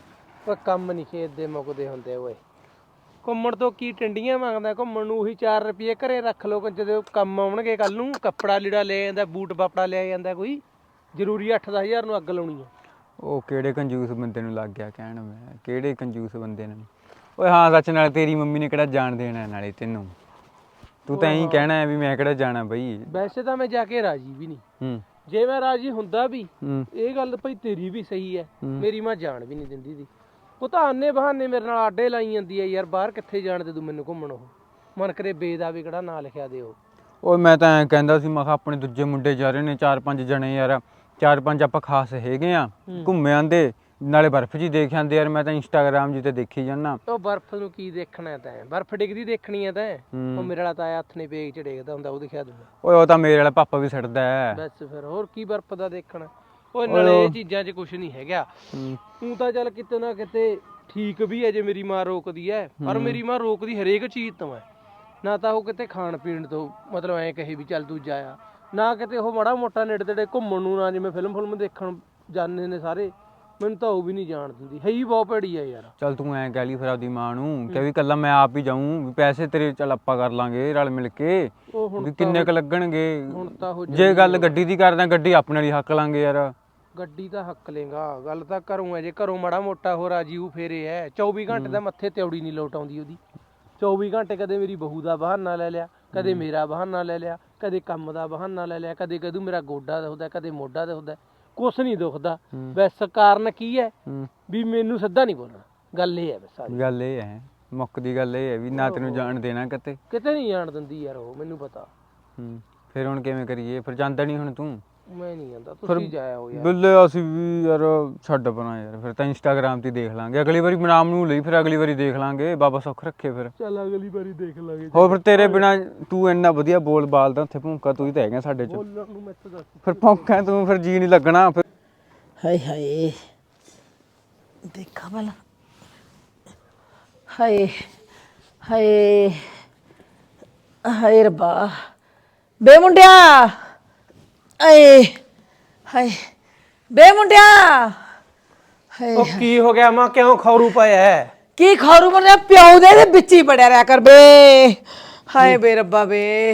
Speaker 5: ਓਏ ਕੰਮ ਨਹੀਂ ਖੇਤ ਦੇ ਮੁੱਕਦੇ ਹੁੰਦੇ ਓਏ। ਘੁੰਮਣ ਤੋਂ ਕੀ ਟੰਡੀਆਂ ਮੰਗਦਾ, ਘੁੰਮਣ ਨੂੰ ਉਹੀ 4 ਰੁਪਏ ਘਰੇ ਰੱਖ ਲੋ, ਜਦੋਂ ਕੰਮ ਆਉਣਗੇ ਕੱਲ ਨੂੰ। ਕੱਪੜਾ ਲੀੜਾ ਲੈ ਜਾਂਦਾ, ਬੂਟ ਬਾਪੜਾ ਲੈ ਜਾਂਦਾ, ਕੋਈ ਜ਼ਰੂਰੀ 8-10 ਹਜ਼ਾਰ ਨੂੰ ਅੱਗ ਲਾਉਣੀ ਆ।
Speaker 4: ਉਹ ਕਿਹੜੇ ਕੰਜੂਸ ਬੰਦੇ ਨੂੰ ਲੱਗ ਗਿਆ ਕਹਿਣ, ਮੈਂ ਕਿਹੜੇ ਕੰਜੂਸ ਬੰਦੇ ਨੂੰ। ਓਏ ਹਾਂ ਸੱਚ, ਨਾਲੇ ਤੇਰੀ ਮੰਮੀ ਨੇ ਕਿਹੜਾ ਜਾਣ ਦੇਣਾ ਨਾਲੇ ਤੈਨੂੰ। ਤੂੰ ਤਾਂ ਇਹੀ ਕਹਿਣਾ ਹੈ ਵੀ ਮੈਂ ਕਿਹੜਾ ਜਾਣਾ ਬਈ।
Speaker 5: ਵੈਸੇ ਤਾਂ ਮੈਂ ਜਾ ਕੇ ਰਾਜੀ ਵੀ ਨਹੀਂ। ਜੇ ਮੈਂ ਰਾਜੀ ਹੁੰਦਾ ਵੀ, ਇਹ ਗੱਲ ਭਾਈ ਤੇਰੀ ਵੀ ਸਹੀ ਹੈ, ਮੇਰੀ ਮਾਂ ਜਾਣ ਵੀ ਨਹੀਂ ਦਿੰਦੀ ਸੀ। ਉਹ ਤਾਂ ਆਨੇ ਬਹਾਨੇ ਮੇਰੇ ਨਾਲ ਆਡੇ ਲਾਈ ਜਾਂਦੀ ਹੈ ਯਾਰ। ਬਾਹਰ ਕਿੱਥੇ ਜਾਣ ਦੇ ਤੂੰ ਮੈਨੂੰ ਘੁੰਮਣ। ਉਹ ਮਨ ਕਰੇ ਬੇ ਦਾ ਵੀ ਕਿਹੜਾ ਨਾਂ ਲਿਖਿਆ ਦੇ ਉਹ।
Speaker 4: ਓਏ ਮੈਂ ਤਾਂ ਐਂ ਕਹਿੰਦਾ ਸੀ, ਮੈਂ ਕਿਹਾ ਆਪਣੇ ਦੂਜੇ ਮੁੰਡੇ ਜਾ ਰਹੇ ਨੇ 4-5 ਜਣੇ ਯਾਰ, 4-5 ਆਪਾਂ ਖਾਸ ਹੈਗੇ ਆ, ਘੁੰਮੇ ਆਂਦੇ ਨਾਲੇ ਬਰਫ਼ ਜੀ ਦੇਖ ਆਂਦੇ ਯਾਰ। ਮੈਂ ਤਾਂ ਇੰਸਟਾਗ੍ਰਾਮ ਜੀ ਤੇ ਦੇਖੀ ਜਾਂਦਾ।
Speaker 5: ਉਹ ਬਰਫ਼ ਨੂੰ ਕੀ ਦੇਖਣਾ ਤੈਂ, ਬਰਫ਼ ਡਿੱਗਦੀ ਦੇਖਣੀ ਹੈ ਤੈਂ। ਉਹ ਮੇਰੇ ਵਾਲਾ ਤਾਂ ਹੱਥ ਨੇ ਪੇਗ ਚ ਡਿੱਗਦਾ ਹੁੰਦਾ, ਉਹ ਦਿਖਿਆ ਦੂੰਗਾ।
Speaker 4: ਓਏ ਉਹ ਤਾਂ ਮੇਰੇ ਵਾਲਾ ਪਾਪਾ ਵੀ ਛੱਡਦਾ ਹੈ।
Speaker 5: ਬਸ ਫਿਰ ਹੋਰ ਕੀ ਬਰਫ਼ ਦਾ ਦੇਖਣਾ। ਓਏ ਨਾਲੇ ਇਹ ਚੀਜ਼ਾਂ 'ਚ ਕੁਝ ਨਹੀਂ ਹੈਗਾ। ਤੂੰ ਤਾਂ ਚੱਲ ਕਿਤੇ ਨਾ ਕਿਤੇ ਠੀਕ ਵੀ ਹੈ ਜੇ ਮੇਰੀ ਮਾਂ ਰੋਕਦੀ ਹੈ, ਪਰ ਮੇਰੀ ਮਾਂ ਰੋਕਦੀ ਹਰੇਕ ਚੀਜ਼ ਤੋਂ ਹੈ। ਨਾ ਤਾਂ ਉਹ ਕਿਤੇ ਖਾਣ ਪੀਣ ਤੋਂ ਮਤਲਬ ਐਂ ਕਹੇ ਵੀ ਚੱਲ ਤੂੰ ਜਾਇਆ, ਨਾ ਕਿਤੇ ਉਹ ਮਾੜਾ ਮੋਟਾ ਨੇੜੇ ਤੇੜੇ ਘੁੰਮਣ ਨੂੰ, ਨਾ ਜਿਵੇਂ ਫਿਲਮ ਦੇਖਣ ਜਾਂਦੇ ਨੇ ਸਾਰੇ, ਮੈਨੂੰ ਤਾਂ ਉਹ ਵੀ ਨਹੀਂ ਜਾਣ ਦਿੰਦੀ। ਹੈ ਹੀ ਬਹੁਤ ਭੈੜੀ ਆ ਯਾਰ।
Speaker 4: ਚੱਲ ਤੂੰ ਐਂ ਕਹਿ ਲਈ ਫਿਰ ਆਪਦੀ ਮਾਂ ਨੂੰ ਕਿ ਵੀ ਕੱਲਾ ਮੈਂ ਆਪ ਹੀ ਜਾਊਂ, ਵੀ ਪੈਸੇ ਤੇਰੇ ਚੱਲ ਆਪਾਂ ਕਰ ਲਾਂਗੇ ਰਲ ਮਿਲ ਕੇ,
Speaker 5: ਉਹ ਹੁਣ
Speaker 4: ਵੀ ਕਿੰਨੇ ਕ ਲੱਗਣਗੇ।
Speaker 5: ਹੁਣ ਤਾਂ ਉਹ
Speaker 4: ਜੇ ਗੱਲ ਗੱਡੀ ਦੀ ਕਰਦਾ, ਗੱਡੀ ਆਪਣੇ ਲਈ ਹੱਕ ਲਾਂਗੇ ਯਾਰ।
Speaker 5: ਗੱਡੀ ਤਾਂ ਹੱਕ ਲੇਗਾ, ਗੱਲ ਤਾਂ ਘਰੋਂ ਹੈ। ਜੇ ਘਰੋਂ ਮਾੜਾ ਮੋਟਾ ਹੋ ਰਾਜੀਵ ਫੇਰੇ ਹੈ। 24 ਘੰਟੇ ਦਾ ਮੱਥੇ ਤਿਉੜੀ ਨਹੀਂ ਲੋਟ ਆਉਂਦੀ ਉਹਦੀ। 24 ਘੰਟੇ ਕਦੇ ਮੇਰੀ ਬਹੂ ਦਾ ਬਹਾਨਾ ਲੈ ਲਿਆ, ਕਦੇ ਮੇਰਾ ਬਹਾਨਾ ਲੈ ਲਿਆ, ਕਦੇ ਕੰਮ ਦਾ ਬਹਾਨਾ ਲੈ ਲਿਆ, ਕਦੇ ਕਦੂ ਮੇਰਾ ਗੋਡਾ ਦੁਖਦਾ, ਕਦੇ ਮੋਢਾ ਦੁਖਦਾ, ਕੁਛ ਨਹੀਂ ਦੁਖਦਾ। ਬਸ ਕਾਰਨ ਕੀ ਹੈ ਵੀ ਮੈਨੂੰ ਸਿੱਧਾ ਨਹੀਂ ਬੋਲਣਾ। ਗੱਲ ਇਹ ਹੈ ਬਸ ਸਾਰੀ
Speaker 4: ਗੱਲ ਇਹ ਹੈ, ਮੁੱਕ ਦੀ ਗੱਲ ਇਹ ਹੈ ਵੀ ਨਾ ਤੈਨੂੰ ਜਾਣ ਦੇਣਾ ਕਿਤੇ
Speaker 5: ਨਹੀਂ ਜਾਣ ਦਿੰਦੀ ਯਾਰ ਉਹ, ਮੈਨੂੰ ਪਤਾ।
Speaker 4: ਫਿਰ ਹੁਣ ਕਿਵੇਂ ਕਰੀਏ? ਫਿਰ ਜਾਂਦਾ ਨਹੀਂ ਹੁਣ ਤੂੰ?
Speaker 5: ਮੈਂ ਨਹੀਂ ਜਾਂਦਾ, ਤੁਸੀਂ ਜਾਇਆ ਹੋ ਯਾਰ।
Speaker 4: ਬਿੱਲੇ ਅਸੀਂ ਵੀ ਯਾਰ ਛੱਡ ਪਰਾਂ ਯਾਰ, ਫਿਰ ਤਾਂ ਇੰਸਟਾਗ੍ਰਾਮ ਤੇ ਦੇਖ ਲਾਂਗੇ। ਅਗਲੀ ਵਾਰੀ ਨਾਮ ਨੂੰ ਲਈ, ਫਿਰ ਅਗਲੀ ਵਾਰੀ ਦੇਖ ਲਾਂਗੇ। ਬਾਬਾ ਸੁੱਖ ਰੱਖੇ ਫਿਰ।
Speaker 5: ਚੱਲ ਅਗਲੀ ਵਾਰੀ ਦੇਖ ਲਾਂਗੇ।
Speaker 4: ਹੋਰ ਫਿਰ ਤੇਰੇ ਬਿਨਾ ਤੂੰ ਇੰਨਾ ਵਧੀਆ ਬੋਲ ਬਾਲਦਾ ਉੱਥੇ, ਭੌਂਕਾ ਤੂੰ ਹੀ ਤਾਂ ਹੈਗਾ ਸਾਡੇ ਚ।
Speaker 5: ਬੋਲਣ ਨੂੰ ਮੈਥੋਂ ਦੱਸ।
Speaker 4: ਫਿਰ ਭੌਂਕਾ ਤੂੰ, ਫਿਰ ਜੀ ਨਹੀਂ ਲੱਗਣਾ ਫਿਰ।
Speaker 1: ਹਾਏ ਹਾਏ, ਦੇਖਾ ਭਲਾ। ਹਾਏ ਹਾਏ ਹਾਏ ਰੱਬਾ, ਬੇ ਮੁੰਡਿਆ, ਆਏ ਹਾਏ ਬੇ ਮੁੰਡਿਆ, ਹਾਏ
Speaker 5: ਉਹ ਕੀ ਹੋ ਗਿਆ ਮਾਂ, ਕਿਉਂ ਖੌਰੂ ਪਾਇਆ ਹੈ?
Speaker 1: ਕੀ ਖਾਰੂ ਮੁੰਡਿਆ, ਪਿਓ ਦੇ ਵਿੱਚ ਹੀ ਬੜਿਆ ਰਿਹਾ ਕਰ ਬੇ। ਹਾਏ ਬੇ ਰੱਬਾ ਬੇ,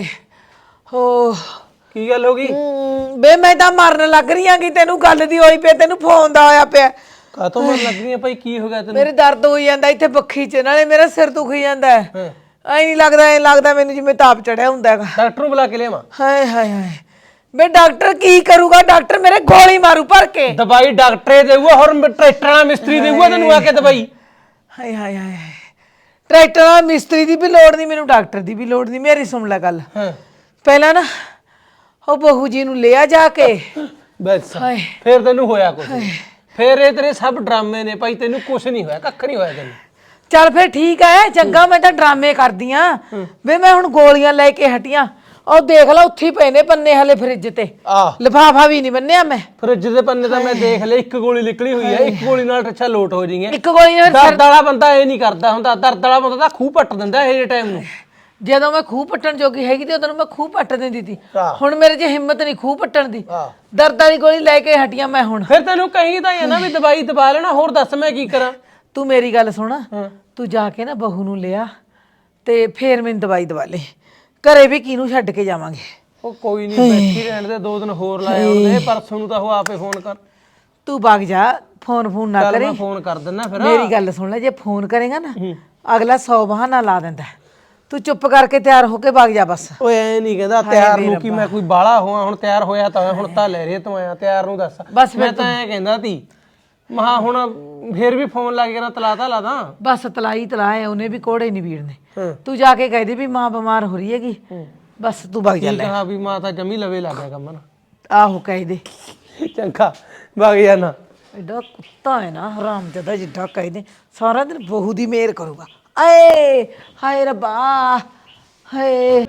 Speaker 1: ਹੋ
Speaker 5: ਕੀ ਗੱਲ ਹੋ ਗਈ?
Speaker 1: ਬੇ ਮੈਂ ਤਾਂ ਮਰਨ ਲੱਗ ਰਹੀ ਆਂ ਕਿ ਤੈਨੂੰ ਗੱਲ ਦੀ ਹੋਈ ਪਈ, ਤੈਨੂੰ ਫੋਨ ਦਾ ਹੋਇਆ ਪਿਆ।
Speaker 5: ਕਾਹਤੋਂ ਮਰ ਲੱਗ ਰਹੀ ਹੈ ਭਾਈ, ਕੀ ਹੋ ਗਿਆ ਤੈਨੂੰ?
Speaker 1: ਮੇਰੇ ਦਰਦ ਹੋਈ ਜਾਂਦਾ ਇੱਥੇ ਬੱਖੀ 'ਚ, ਨਾਲੇ ਮੇਰਾ ਸਿਰ ਦੁਖੀ ਜਾਂਦਾ ਐ ਨਹੀਂ ਲੱਗਦਾ, ਐ ਲੱਗਦਾ ਮੈਨੂੰ ਜਿਵੇਂ ਤਾਪ ਚੜਿਆ ਹੁੰਦਾ ਹੈਗਾ।
Speaker 5: ਡਾਕਟਰ ਨੂੰ ਬੁਲਾ ਕੇ ਲਿਆਵਾਂ?
Speaker 1: ਹਾਏ ਹਾਏ ਹਾਏ ਬੇ, ਡਾਕਟਰ ਕੀ ਕਰੂਗਾ? ਡਾਕਟਰ ਮੇਰੇ ਗੋਲੀ ਮਾਰੂ ਭਰ ਕੇ।
Speaker 5: ਦਵਾਈ ਡਾਕਟਰੇ ਦੇਊਗਾ, ਹੋਰ ਟਰੈਕਟਰ ਵਾਲਾ ਮਿਸਤਰੀ ਦੇਊਗਾ ਤੈਨੂੰ ਆ ਕੇ ਦਵਾਈ?
Speaker 1: ਹਾਏ ਹਾਏ ਹਾਏ, ਟਰੈਕਟਰ ਵਾਲਾ ਮਿਸਤਰੀ ਦੀ ਵੀ ਲੋੜ ਨਹੀਂ ਮੈਨੂੰ, ਡਾਕਟਰ ਦੀ ਵੀ ਲੋੜ ਨਹੀਂ। ਮੇਰੀ ਸੁਣ ਲੈ ਗੱਲ। ਪਹਿਲਾਂ ਨਾ ਉਹ ਬਹੂ ਜੀ ਨੂੰ ਲਿਆ ਜਾ ਕੇ।
Speaker 5: ਬਸ
Speaker 1: ਹਾਏ
Speaker 5: ਫੇਰ ਤੈਨੂੰ ਹੋਇਆ ਕੁਛ? ਫੇਰ ਇਹ ਤੇਰੇ ਸਭ ਡਰਾਮੇ ਨੇ ਭਾਈ, ਤੈਨੂੰ ਕੁਛ ਨਹੀਂ ਹੋਇਆ, ਕੱਖ ਨਹੀਂ ਹੋਇਆ ਤੈਨੂੰ।
Speaker 1: ਚੱਲ ਫੇਰ ਠੀਕ ਐ, ਚੰਗਾ। ਮੈਂ ਤਾਂ ਡਰਾਮੇ ਕਰਦੀ ਆਂ ਵੇ, ਮੈਂ ਹੁਣ ਗੋਲੀਆਂ ਲੈ ਕੇ ਹਟੀਆਂ। ਉਹ ਦੇਖ ਲਾ ਉੱਥੇ ਪਏ ਨੇ ਪੰਨੇ ਹਲੇ ਫਰਿੱਜ ਤੇ, ਲਿਫਾਫਾ ਵੀ ਨਹੀਂ ਬੰਨਿਆ ਮੈਂ।
Speaker 5: ਫਰਿੱਜ ਦੇ ਪੰਨੇ ਤਾਂ ਮੈਂ ਦੇਖ ਲਿਆ, ਇੱਕ ਗੋਲੀ ਨਿਕਲੀ ਹੋਈ ਹੈ। ਇੱਕ ਗੋਲੀ ਨਾਲ ਅੱਛਾ ਲੋਟ ਹੋ ਜਾਈਏ।
Speaker 1: ਇੱਕ ਗੋਲੀ ਨਾਲ
Speaker 5: ਦਰਦ ਵਾਲਾ ਬੰਦਾ ਇਹ ਨਹੀਂ ਕਰਦਾ ਹੁੰਦਾ, ਦਰਦ ਵਾਲਾ ਬੰਦਾ ਤਾਂ ਖੂਹ ਪੱਟ ਦਿੰਦਾ ਇਹ ਟਾਈਮ ਨੂੰ।
Speaker 1: ਜਦੋਂ ਮੈਂ ਖੂਹ ਪੱਟਣ ਜੋਗੀ ਹੈਗੀ ਤੇ ਉਦੋਂ ਮੈਂ ਖੂਹ ਪੱਟ ਦਿੰਦੀ ਸੀ। ਹੁਣ ਮੇਰੇ 'ਚ ਹਿੰਮਤ ਨਹੀਂ ਖੂਹ ਪੱਟਣ ਦੀ। ਦਰਦ ਵਾਲੀ ਗੋਲੀ ਲੈ ਕੇ ਹਟੀਆਂ ਮੈਂ ਹੁਣ।
Speaker 5: ਫਿਰ ਤੈਨੂੰ ਕਹੀ ਤਾਂ ਹੈ ਨਾ ਵੀ ਦਵਾਈ ਦਵਾ ਲੈਣਾ, ਹੋਰ ਦੱਸ ਮੈਂ ਕੀ ਕਰਾਂ?
Speaker 1: ਤੂੰ ਮੇਰੀ ਗੱਲ ਸੁਣ, ਤੂੰ ਜਾ ਕੇ ਨਾ ਬਹੂ ਨੂੰ ਲਿਆ ਤੇ ਫੇਰ ਮੈਨੂੰ ਦਵਾਈ ਦਵਾ ਲੈ। ਘਰੇ ਵੀ ਕਿਹਨੂੰ ਛੱਡ ਕੇ ਜਾਵਾਂਗੇ?
Speaker 5: ਉਹ ਕੋਈ ਨਹੀਂ, ਬੈਠੀ ਰਹਿਣ ਦੇ, 2 ਦਿਨ ਹੋਰ ਲਾਏ ਉਹਨੇ। ਪਰਸੋਂ ਨੂੰ ਤਾਂ ਉਹ ਆਪੇ ਫੋਨ ਕਰ।
Speaker 1: ਤੂੰ ਵਗ ਜਾ, ਫੋਨ ਨਾ ਕਰੀ।
Speaker 5: ਮੈਂ ਫੋਨ ਕਰ ਦਿੰਦਾ ਫਿਰ।
Speaker 1: ਮੇਰੀ ਗੱਲ ਸੁਣ ਲੈ, ਜੇ ਫੋਨ ਕਰੇਗਾ ਨਾ ਅਗਲਾ 100 ਬਹਾਨਾ ਲਾ ਦਿੰਦਾ। ਤੂੰ ਚੁੱਪ ਕਰਕੇ ਤਿਆਰ ਹੋ ਕੇ ਵਗ ਜਾ ਬਸ।
Speaker 5: ਓਏ ਐ ਨਹੀਂ ਕਹਿੰਦਾ ਤਿਆਰ ਨੂੰ ਕਿ ਮੈਂ ਕੋਈ ਬਾਲਾ ਹੋਵਾਂ। ਹੁਣ ਤਿਆਰ ਹੋਇਆ ਤਾਂ ਹੁਣ ਤਾਂ ਲੈ ਰੇ ਤੂੰ ਆਇਆ, ਤਿਆਰ ਨੂੰ ਦੱਸ।
Speaker 1: ਬਸ
Speaker 5: ਮੈਂ ਤਾਂ ਐ ਕਹਿੰਦਾ ਤੀ ਮਹਾ ਹੁਣ ਫੇਰ ਵੀ ਫੋਨ ਲੱਗ ਗਿਆ, ਤਲਾਤਾ ਲਾਦਾ।
Speaker 1: ਬਸ ਤਲਾਈ ਤਲਾਏ, ਉਹਨੇ ਵੀ ਕੋੜੇ ਨਹੀਂ ਵੀੜਨੇ। ਤੂੰ ਜਾ ਕੇ ਕਹਿ ਦੇ ਵੀ ਮਾਂ ਬਿਮਾਰ ਹੋ ਰਹੀ ਹੈਗੀ, ਬਸ ਤੂੰ ਵਗ ਜਾ ਲੈ।
Speaker 5: ਕਹਾ ਵੀ ਮਾਂ ਤਾਂ ਜਮੀ ਲਵੇ ਲੱਗ ਗਿਆ ਕੰਮ ਨਾ।
Speaker 1: ਆਹੋ ਕਹਿ ਦੇ।
Speaker 5: ਚੰਗਾ ਵਗ ਜਾ ਨਾ।
Speaker 6: ਐਡਾ ਕੁੱਤਾ ਹੈ ਨਾ ਹਰਾਮ ਜਦਾ ਜਿੱਡਾ ਕਹਿੰਦੇ ਸਾਰਾ ਦਿਨ ਬਹੂ ਦੀ ਮੇਰ ਕਰੂਗਾ ਆਏ ਹਾਏ ਰੱਬਾ ਹਾਏ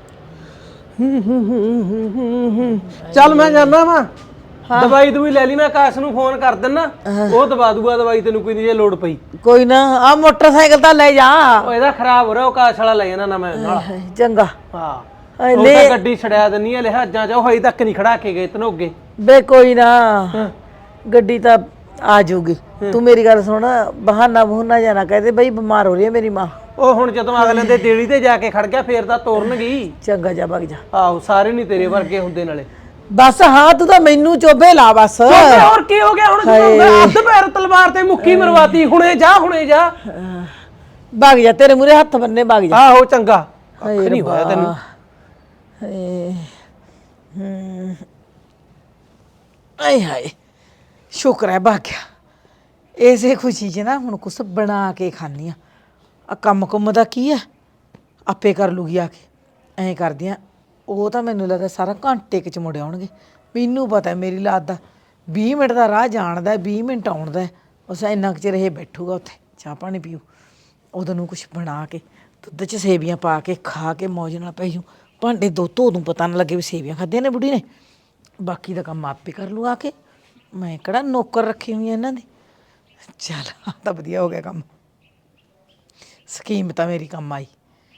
Speaker 5: ਚੱਲ ਮੈਂ ਜਾਣਾ ਵਾ ਦਵਾਈ ਦਵਾਈ ਲੈ ਲਈ ਮੈਂ ਆਕਾਸ਼ ਨੂੰ ਫੋਨ ਕਰ ਦਿੰਨਾ ਉਹ ਦਵਾ ਦੂਗਾ ਦਵਾਈ ਤੈਨੂੰ ਕੋਈ ਨਹੀਂ ਜੇ ਲੋੜ ਪਈ
Speaker 6: ਕੋਈ ਨਾ ਆ ਮੋਟਰਸਾਈਕਲ ਤਾਂ ਲੈ ਜਾ
Speaker 5: ਉਹ ਇਹਦਾ ਖਰਾਬ ਹੋ ਰਿਹਾ ਉਹ ਆਕਾਸ਼ ਵਾਲਾ ਲੈ ਜਾਣਾ ਨਾ ਮੈਂ ਨਾਲ
Speaker 6: ਚੰਗਾ
Speaker 5: ਹਾਂ
Speaker 6: ਹਾਏ
Speaker 5: ਉਹ
Speaker 6: ਲੈ
Speaker 5: ਤਾਂ ਗੱਡੀ ਛੜਿਆ ਦਿੰਨੀ ਆ ਲਿਹਾਜ਼ਾਂ ਚ ਉਹ ਹਜੇ ਤੱਕ ਨਹੀਂ ਖੜਾ ਕੇ ਗਏ ਤਨੋਗੇ
Speaker 6: ਬੇ ਕੋਈ ਨਾ ਗੱਡੀ ਤਾਂ ਆ ਜਾਊਗੀ ਤੂੰ ਮੇਰੀ ਗੱਲ ਸੁਣ ਬਹਾਨਾ ਬਹੂਨਾ ਜਾਣਾ ਕਹਦੇ ਬਈ ਬਿਮਾਰ ਹੋ ਰਹੀ ਹੈ ਮੇਰੀ ਮਾਂ
Speaker 5: ਉਹ ਹੁਣ ਜਦੋਂ ਅਗਲੇ ਦੇ ਦੇਲੀ ਤੇ ਜਾ ਕੇ ਖੜ ਗਿਆ ਫੇਰ ਤਾਂ ਤੋਰਨਗੀ
Speaker 6: ਚੰਗਾ ਜਾ ਵਗ ਜਾ
Speaker 5: ਆਹੋ ਸਾਰੇ ਨਹੀਂ ਤੇਰੇ ਵਰਗੇ ਹੁੰਦੇ ਨਾਲੇ
Speaker 6: ਬਸ ਹਾਂ ਤੂੰ ਤਾਂ ਮੈਨੂੰ ਚੋਬੇ ਲਾ ਬਸ
Speaker 5: ਹੋਰ ਕੀ ਹੋ ਗਿਆ ਹੁਣ ਜਦੋਂ ਮੈਂ ਅੱਧ ਪੈਰ ਤਲਵਾਰ ਤੇ ਮੁੱਕੀ ਮਰਵਾਤੀ ਹੁਣੇ ਜਾ
Speaker 6: ਵਗ ਜਾ ਤੇਰੇ ਮੂਰੇ ਹੱਥ ਬੰਨੇ ਵਗ ਜਾ
Speaker 5: ਆਹੋ ਚੰਗਾ ਅੱਖ ਨਹੀਂ ਹੋਇਆ ਤੈਨੂੰ
Speaker 6: ਹਾਏ ਆਏ ਹਾਏ ਸ਼ੁਕਰ ਹੈ ਭਾਗਿਆ ਇਸੇ ਖੁਸ਼ੀ 'ਚ ਨਾ ਹੁਣ ਕੁਛ ਬਣਾ ਕੇ ਖਾਣੀ ਆ ਕੰਮ ਕੁੰਮ ਦਾ ਕੀ ਆ ਆਪੇ ਕਰ ਲੂਗੀ ਆ ਕੇ ਐਂ ਕਰਦੀਆਂ ਉਹ ਤਾਂ ਮੈਨੂੰ ਲੱਗਦਾ ਸਾਰਾ ਘੰਟੇ ਚ ਮੁੜ ਆਉਣਗੇ ਮੈਨੂੰ ਪਤਾ ਮੇਰੀ ਲਾਤ ਦਾ 20 ਮਿੰਟ ਦਾ ਰਾਹ ਜਾਣਦਾ 20 ਮਿੰਟ ਆਉਣ ਦਾ ਉਸ ਇੰਨਾ ਕੁ ਚਿਰ ਇਹ ਬੈਠੂਗਾ ਉੱਥੇ ਚਾਹ ਪਾਣੀ ਪੀਊ ਉਦੋਂ ਨੂੰ ਕੁਛ ਬਣਾ ਕੇ ਦੁੱਧ 'ਚ ਸੇਵੀਆਂ ਪਾ ਕੇ ਖਾ ਕੇ ਮੌਜ ਨਾਲ ਪੈ ਜੂ ਭਾਂਡੇ ਦੋ ਧੋ ਦੂੰ ਪਤਾ ਨਾ ਲੱਗੇ ਵੀ ਸੇਵੀਆਂ ਖਾਧੀਆਂ ਨੇ ਬੁੜੀ ਨੇ ਬਾਕੀ ਦਾ ਕੰਮ ਆਪੇ ਕਰ ਲੂ ਆ ਕੇ ਮੈਂ ਕਿਹੜਾ ਨੌਕਰ ਰੱਖੀ ਹੋਈ ਇਹਨਾਂ ਦੀ ਚੱਲ ਆਹ ਤਾਂ ਵਧੀਆ ਹੋ ਗਿਆ ਕੰਮ ਸਕੀਮ ਤਾਂ ਮੇਰੀ ਕੰਮ ਆਈ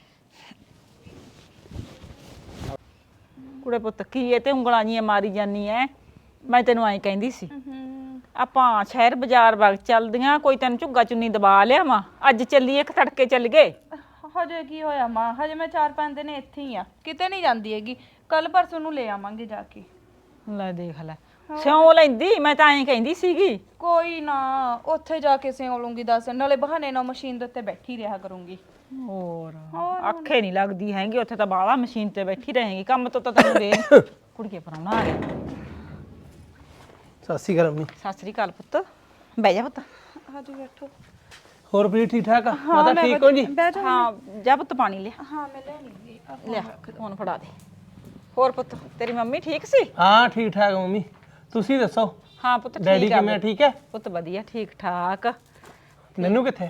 Speaker 1: ਕੁੜੇ ਪੁੱਤ ਕੀ ਇਹ ਤੇ ਉਂਗਲਾਂ ਜੀਆਂ ਮਾਰੀ ਜਾਨੀ ਐ ਮੈਂ ਤੈਨੂੰ ਐਂ ਕਹਿੰਦੀ ਸੀ ਆਪਾਂ ਸ਼ਹਿਰ ਬਾਜ਼ਾਰ ਵਗ ਚੱਲਦੀਆਂ ਕੋਈ ਤੈਨੂੰ ਝੁੱਗਾ ਚੁੰਨੀ ਦਬਾ ਲਿਆਵਾਂ ਅੱਜ ਚੱਲੀਏ ਇੱਕ ਤੜਕੇ ਚੱਲ ਗਏ
Speaker 3: ਹਜੇ ਕੀ ਹੋਇਆ ਮਾਂ ਹਜੇ ਮੈਂ 4-5 ਦਿਨ ਇੱਥੇ ਹੀ ਆ ਕਿਤੇ ਨਹੀਂ ਜਾਂਦੀ ਹੈਗੀ ਕੱਲ ਪਰਸੋਂ ਨੂੰ ਲੈ ਆਵਾਂਗੇ ਜਾ ਕੇ
Speaker 1: ਲੈ ਦੇਖ ਲੈ ਸਿਉਂ ਲੈਂਦੀ ਮੈਂ ਤਾਂ ਐਂ ਕਹਿੰਦੀ ਸੀਗੀ
Speaker 3: ਕੋਈ ਨਾ ਉੱਥੇ ਜਾ ਕੇ ਸਿਉਂ ਲੂੰਗੀ ਦੱਸ ਨਾਲੇ ਬਹਾਨੇ ਨਾਲ ਮਸ਼ੀਨ ਦੇ ਉੱਤੇ ਬੈਠੀ ਰਿਹਾ ਕਰੂੰਗੀ
Speaker 1: ਹੋਰ ਅੱਖੇ ਨਹੀਂ ਲੱਗਦੀ ਹੈਗੀ ਉੱਥੇ ਤਾਂ ਬਾਵਾ ਮਸ਼ੀਨ ਤੇ ਬੈਠੀ ਰਹੇਗੀ ਕੰਮ ਤੋਂ ਤਾਂ ਤੈਨੂੰ ਦੇ ਕੁੜੀਏ ਪਰਾਉਣਾ ਆ ਗਿਆ
Speaker 5: ਸਤਿ ਸ਼੍ਰੀ ਅਕਾਲ ਅੰਮੀ
Speaker 1: ਸਤਿ ਸ੍ਰੀ ਅਕਾਲ ਪੁੱਤ ਬਹਿ ਜਾ ਪੁੱਤ
Speaker 3: ਆਜੋ ਬੈਠੋ
Speaker 5: ਹੋਰ ਵੀ ਠੀਕ ਠਾਕ ਆ ਮਾਤਾ ਠੀਕ ਹੋ ਜੀ
Speaker 1: ਹਾਂ ਜਾ ਪੁੱਤ ਪਾਣੀ ਲਿਆ
Speaker 3: ਹਾਂ ਮੈਂ ਲੈਣੀ
Speaker 1: ਲਿਆ ਫੋਨ ਫੜਾ ਦੇ ਹੋਰ ਪੁੱਤ ਤੇਰੀ ਮੰਮੀ ਠੀਕ ਸੀ
Speaker 5: ਹਾਂ ਠੀਕ ਠਾਕ ਮੰਮੀ ਤੁਸੀਂ ਦੱਸੋ
Speaker 1: ਹਾਂ ਪੁੱਤ
Speaker 5: ਡੈਡੀ
Speaker 1: ਠੀਕ ਆ
Speaker 5: ਕਿਵੇਂ ਠੀਕ ਹੈ
Speaker 1: ਪੁੱਤ ਵਧੀਆ ਠੀਕ ਠਾਕ
Speaker 5: ਨੰਨੂ ਕਿੱਥੇ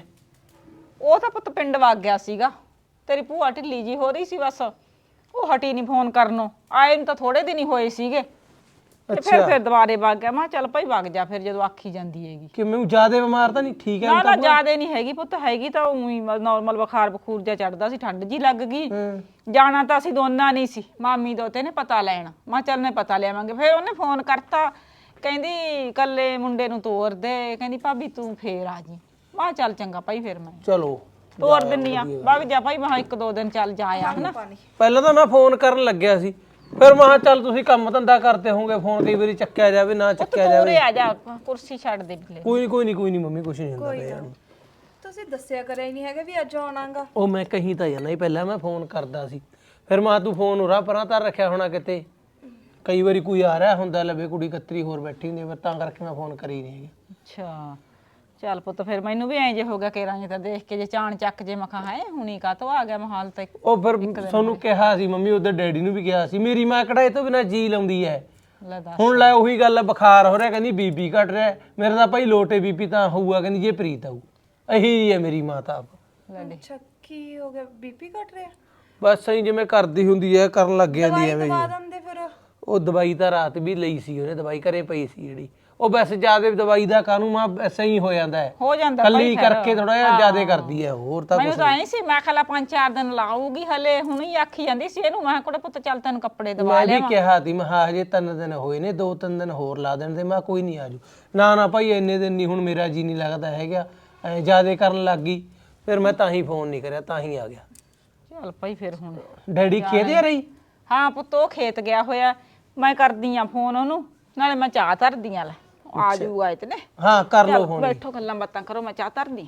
Speaker 1: ਉਹ ਤਾਂ ਪੁੱਤ ਪਿੰਡ ਵਗ ਗਿਆ ਸੀਗਾ ਤੇਰੀ ਭੂਆ ਢਿੱਲੀ ਜੀ ਹੋ ਰਹੀ ਸੀ ਬਸ ਉਹ ਹਟੀ ਨਹੀਂ ਫੋਨ ਕਰਨੋਂ ਆਏ ਨੂੰ ਤਾਂ ਥੋੜੇ ਦਿਨ ਹੀ ਹੋਏ ਸੀਗੇ ਤੇ ਫਿਰ ਦੁਬਾਰੇ ਵਗ ਗਿਆ ਮੈਂ ਕਿਹਾ ਚੱਲ ਭਾਈ ਵਗ ਜਾ ਫਿਰ ਜਦੋਂ ਆਖੀ ਜਾਂਦੀ ਹੈਗੀ
Speaker 5: ਕਿ ਮੈਨੂੰ ਜ਼ਿਆਦਾ ਬਿਮਾਰ ਤਾਂ ਨਹੀਂ ਠੀਕ ਹੈ
Speaker 1: ਨਾ ਨਾ ਜ਼ਿਆਦੇ ਨਹੀਂ ਹੈਗੀ ਪੁੱਤ ਹੈਗੀ ਤਾਂ ਉਹੀ ਨਾਰਮਲ ਬੁਖਾਰ ਬਖੂਰ ਜਿਹਾ ਚੜਦਾ ਸੀ ਠੰਡ ਜੀ ਲੱਗ ਗਈ ਜਾਣਾ ਤਾਂ ਅਸੀਂ ਦੋਨਾਂ ਨਹੀਂ ਸੀ ਮਾਮੀ ਦੋਤੇ ਨੇ ਪਤਾ ਲੈਣ ਮੈਂ ਚੱਲ ਨੇ ਪਤਾ ਲਿਆਵਾਂਗੇ ਫਿਰ ਉਹਨੇ ਫੋਨ ਕਰਤਾ ਕਹਿੰਦੀ ਕੱਲੇ ਮੁੰਡੇ ਨੂੰ ਤੋਰ ਦੇ ਕਹਿੰਦੀ ਭਾਬੀ ਤੂੰ ਫੇਰ ਆ ਜੀ ਮੈਂ ਚੱਲ ਚੰਗਾ ਭਾਈ ਫਿਰ ਮੈਂ
Speaker 5: ਚਲੋ
Speaker 1: ਤੋਰ ਦਿੰਨੀ ਆ ਵਗ ਜਾ ਭਾਈ ਮੈਂ ਇੱਕ ਦੋ ਦਿਨ ਚੱਲ ਜਾ ਆ ਹਨਾ
Speaker 5: ਪਹਿਲਾਂ ਤਾਂ ਮੈਂ ਫੋਨ ਕਰਨ ਲੱਗਿਆ ਸੀ ਫਿਰ ਮੈਂ ਕਿਹਾ ਚੱਲ ਤੁਸੀਂ ਕੰਮ ਧੰਦਾ ਕਰਦੇ ਹੋਵੋਗੇ ਫੋਨ ਕਈ ਵਾਰੀ ਚੱਕਿਆ ਜਾਵੇ ਨਾ ਚੱਕਿਆ ਜਾਵੇ
Speaker 1: ਪੂਰੇ ਆ ਜਾ ਕੁਰਸੀ ਛੱਡ ਦੇ ਬਿੱਲੇ
Speaker 5: ਕੋਈ ਨਹੀਂ ਮੰਮੀ ਕੁਛ ਨਹੀਂ ਹੁੰਦਾ ਯਾਰ
Speaker 3: ਤੁਸੀਂ ਦੱਸਿਆ ਕਰਿਆ ਹੀ ਨਹੀਂ ਹੈਗਾ ਵੀ ਅੱਜ ਆਉਣਾਗਾ
Speaker 5: ਉਹ ਮੈਂ ਕਹੀਂ ਤਾਂ ਜਾਣਾ ਹੀ ਪਹਿਲਾਂ ਮੈਂ ਫੋਨ ਕਰਦਾ ਸੀ ਫਿਰ ਮੈਂ ਤੂੰ ਫੋਨ ਉਰਾ ਪਰਾਂ ਤਾਂ ਰੱਖਿਆ ਹੋਣਾ ਕਿਤੇ ਕਈ ਵਾਰੀ ਕੋਈ ਆ ਰਿਹਾ ਹੁੰਦਾ ਲਵੇ ਕੁੜੀ ਕਤਰੀ ਹੋਰ ਬੈਠੀ ਹੁੰਦੀ ਫਿਰ ਤਾਂ ਕਰਕੇ ਮੈਂ ਫੋਨ ਕਰੀ ਨਹੀਂ
Speaker 1: ਅੱਛਾ ਚੱਲ ਪੁੱਤ ਫਿਰ ਮੈਨੂੰ ਵੀ ਐਂ ਜੇ ਹੋ ਗਿਆ ਕੇਰਾਂ ਤਾਂ ਦੇਖ ਕੇ ਜੇ ਚਾਣ ਚੱਕ ਜੇ ਮਖਾ ਹੈ ਹੁਣੀ ਕਾਤੋਂ ਆ ਗਿਆ ਮਹਾਲ ਤੇ
Speaker 5: ਉਹ ਫਿਰ ਤੁਹਾਨੂੰ ਕਿਹਾ ਸੀ ਮੰਮੀ ਉਹਦੇ ਡੈਡੀ ਨੂੰ ਵੀ ਕਿਹਾ ਸੀ ਮੇਰੀ ਮਾਂ ਕਿਹੜਾ ਇਹ ਤੋਂ ਬਿਨਾ ਜੀ ਲਾਉਂਦੀ ਐ
Speaker 1: ਲੈ ਦੱਸ
Speaker 5: ਹੁਣ ਲੈ ਉਹੀ ਗੱਲ ਬੁਖਾਰ ਹੋ ਰਿਹਾ ਕਹਿੰਦੀ ਬੀਪੀ ਘਟ ਰਿਹਾ ਮੇਰੇ ਤਾਂ ਭਾਈ ਲੋਟੇ ਬੀਪੀ ਤਾਂ ਹੋਊਗਾ ਕਹਿੰਦੀ ਜੇ ਪ੍ਰੀਤ ਆਊ ਇਹੀ ਹੈ ਮੇਰੀ ਮਾਂ ਤਾਂ ਆਪ
Speaker 3: ਅੱਛਾ ਕੀ ਹੋ ਗਿਆ ਬੀਪੀ ਘਟ ਰਿਹਾ
Speaker 5: ਬਸ ਐਂ ਜਿਵੇਂ ਕਰਦੀ ਹੁੰਦੀ ਐ ਕਰਨ ਲੱਗ ਜਾਂਦੀ ਐਵੇਂ
Speaker 3: ਦਵਾ ਦਿੰਦੇ ਫਿਰ
Speaker 5: ਉਹ ਦਵਾਈ ਤਾਂ ਰਾਤ ਵੀ ਲਈ ਸੀ ਉਹਨੇ ਦਵਾਈ ਘਰੇ ਪਈ ਸੀ ਜਿਹੜੀ ਉਹ ਵੈਸੇ ਜਿਆਦਾ ਦਵਾਈ ਦਾ ਕਾਨੂੰ ਮਾਂ ਐਸਾ ਹੀ ਹੋ ਜਾਂਦਾ ਹੈ
Speaker 1: ਹੋ ਜਾਂਦਾ
Speaker 5: ਕੱਲੀ ਕਰਕੇ ਥੋੜਾ ਜਿਹਾ ਜਿਆਦਾ ਕਰਦੀ ਹੈ ਹੋਰ ਤਾਂ
Speaker 1: ਮੈਨੂੰ ਤਾਂ ਐਂ ਸੀ ਮੈਂ ਖਲਾ 5-4 ਦਿਨ ਲਾਊਗੀ ਹਲੇ ਹੁਣ ਹੀ ਆਖੀ ਜਾਂਦੀ ਸੀ ਇਹਨੂੰ ਮੈਂ ਕੋੜੇ ਪੁੱਤ ਚੱਲ ਤੈਨੂੰ ਕੱਪੜੇ ਦਵਾ
Speaker 5: ਮੈਂ
Speaker 1: ਲਿਆ
Speaker 5: ਵੀ ਕਿਹਾ ਸੀ ਮੈਂ ਹਾਂ ਹਜੇ 3 ਦਿਨ ਹੋਏ ਨੇ 2-3 ਦਿਨ ਹੋਰ ਲਾ ਦੇਣ ਤੇ ਮੈਂ ਕੋਈ ਨਹੀਂ ਆਜੂ ਨਾ ਭਾਈ ਇੰਨੇ ਦਿਨ ਨਹੀਂ ਹੁਣ ਮੇਰਾ ਜੀ ਨਹੀਂ ਲੱਗਦਾ ਹੈਗਾ ਐ ਜਿਆਦਾ ਕਰਨ ਲੱਗ ਗਈ ਫਿਰ ਮੈਂ ਤਾਂ ਹੀ ਫੋਨ ਨਹੀਂ ਕਰਿਆ ਤਾਂ ਹੀ ਆ ਗਿਆ
Speaker 1: ਚੱਲ ਭਾਈ ਫਿਰ ਹੁਣ
Speaker 5: ਡੈਡੀ ਖੇਤ ਆ ਰਹੀ
Speaker 1: ਹਾਂ ਪੁੱਤ ਉਹ ਖੇਤ ਗਿਆ ਹੋਇਆ ਮੈਂ ਕਰਦੀ ਆ ਫੋਨ ਉਹਨੂੰ ਨਾਲੇ ਮੈਂ ਚਾਹ ਧਰਦੀ ਆ ਲੈ ਆ ਜੂਗਾ ਇਤਨੇ
Speaker 5: ਹਾਂ ਕਰ ਲਓ ਫੋਨ
Speaker 1: ਬੈਠੋ ਗੱਲਾਂ ਬਾਤਾਂ ਕਰੋ ਮੈਂ ਚਾਹ ਧਰਦੀ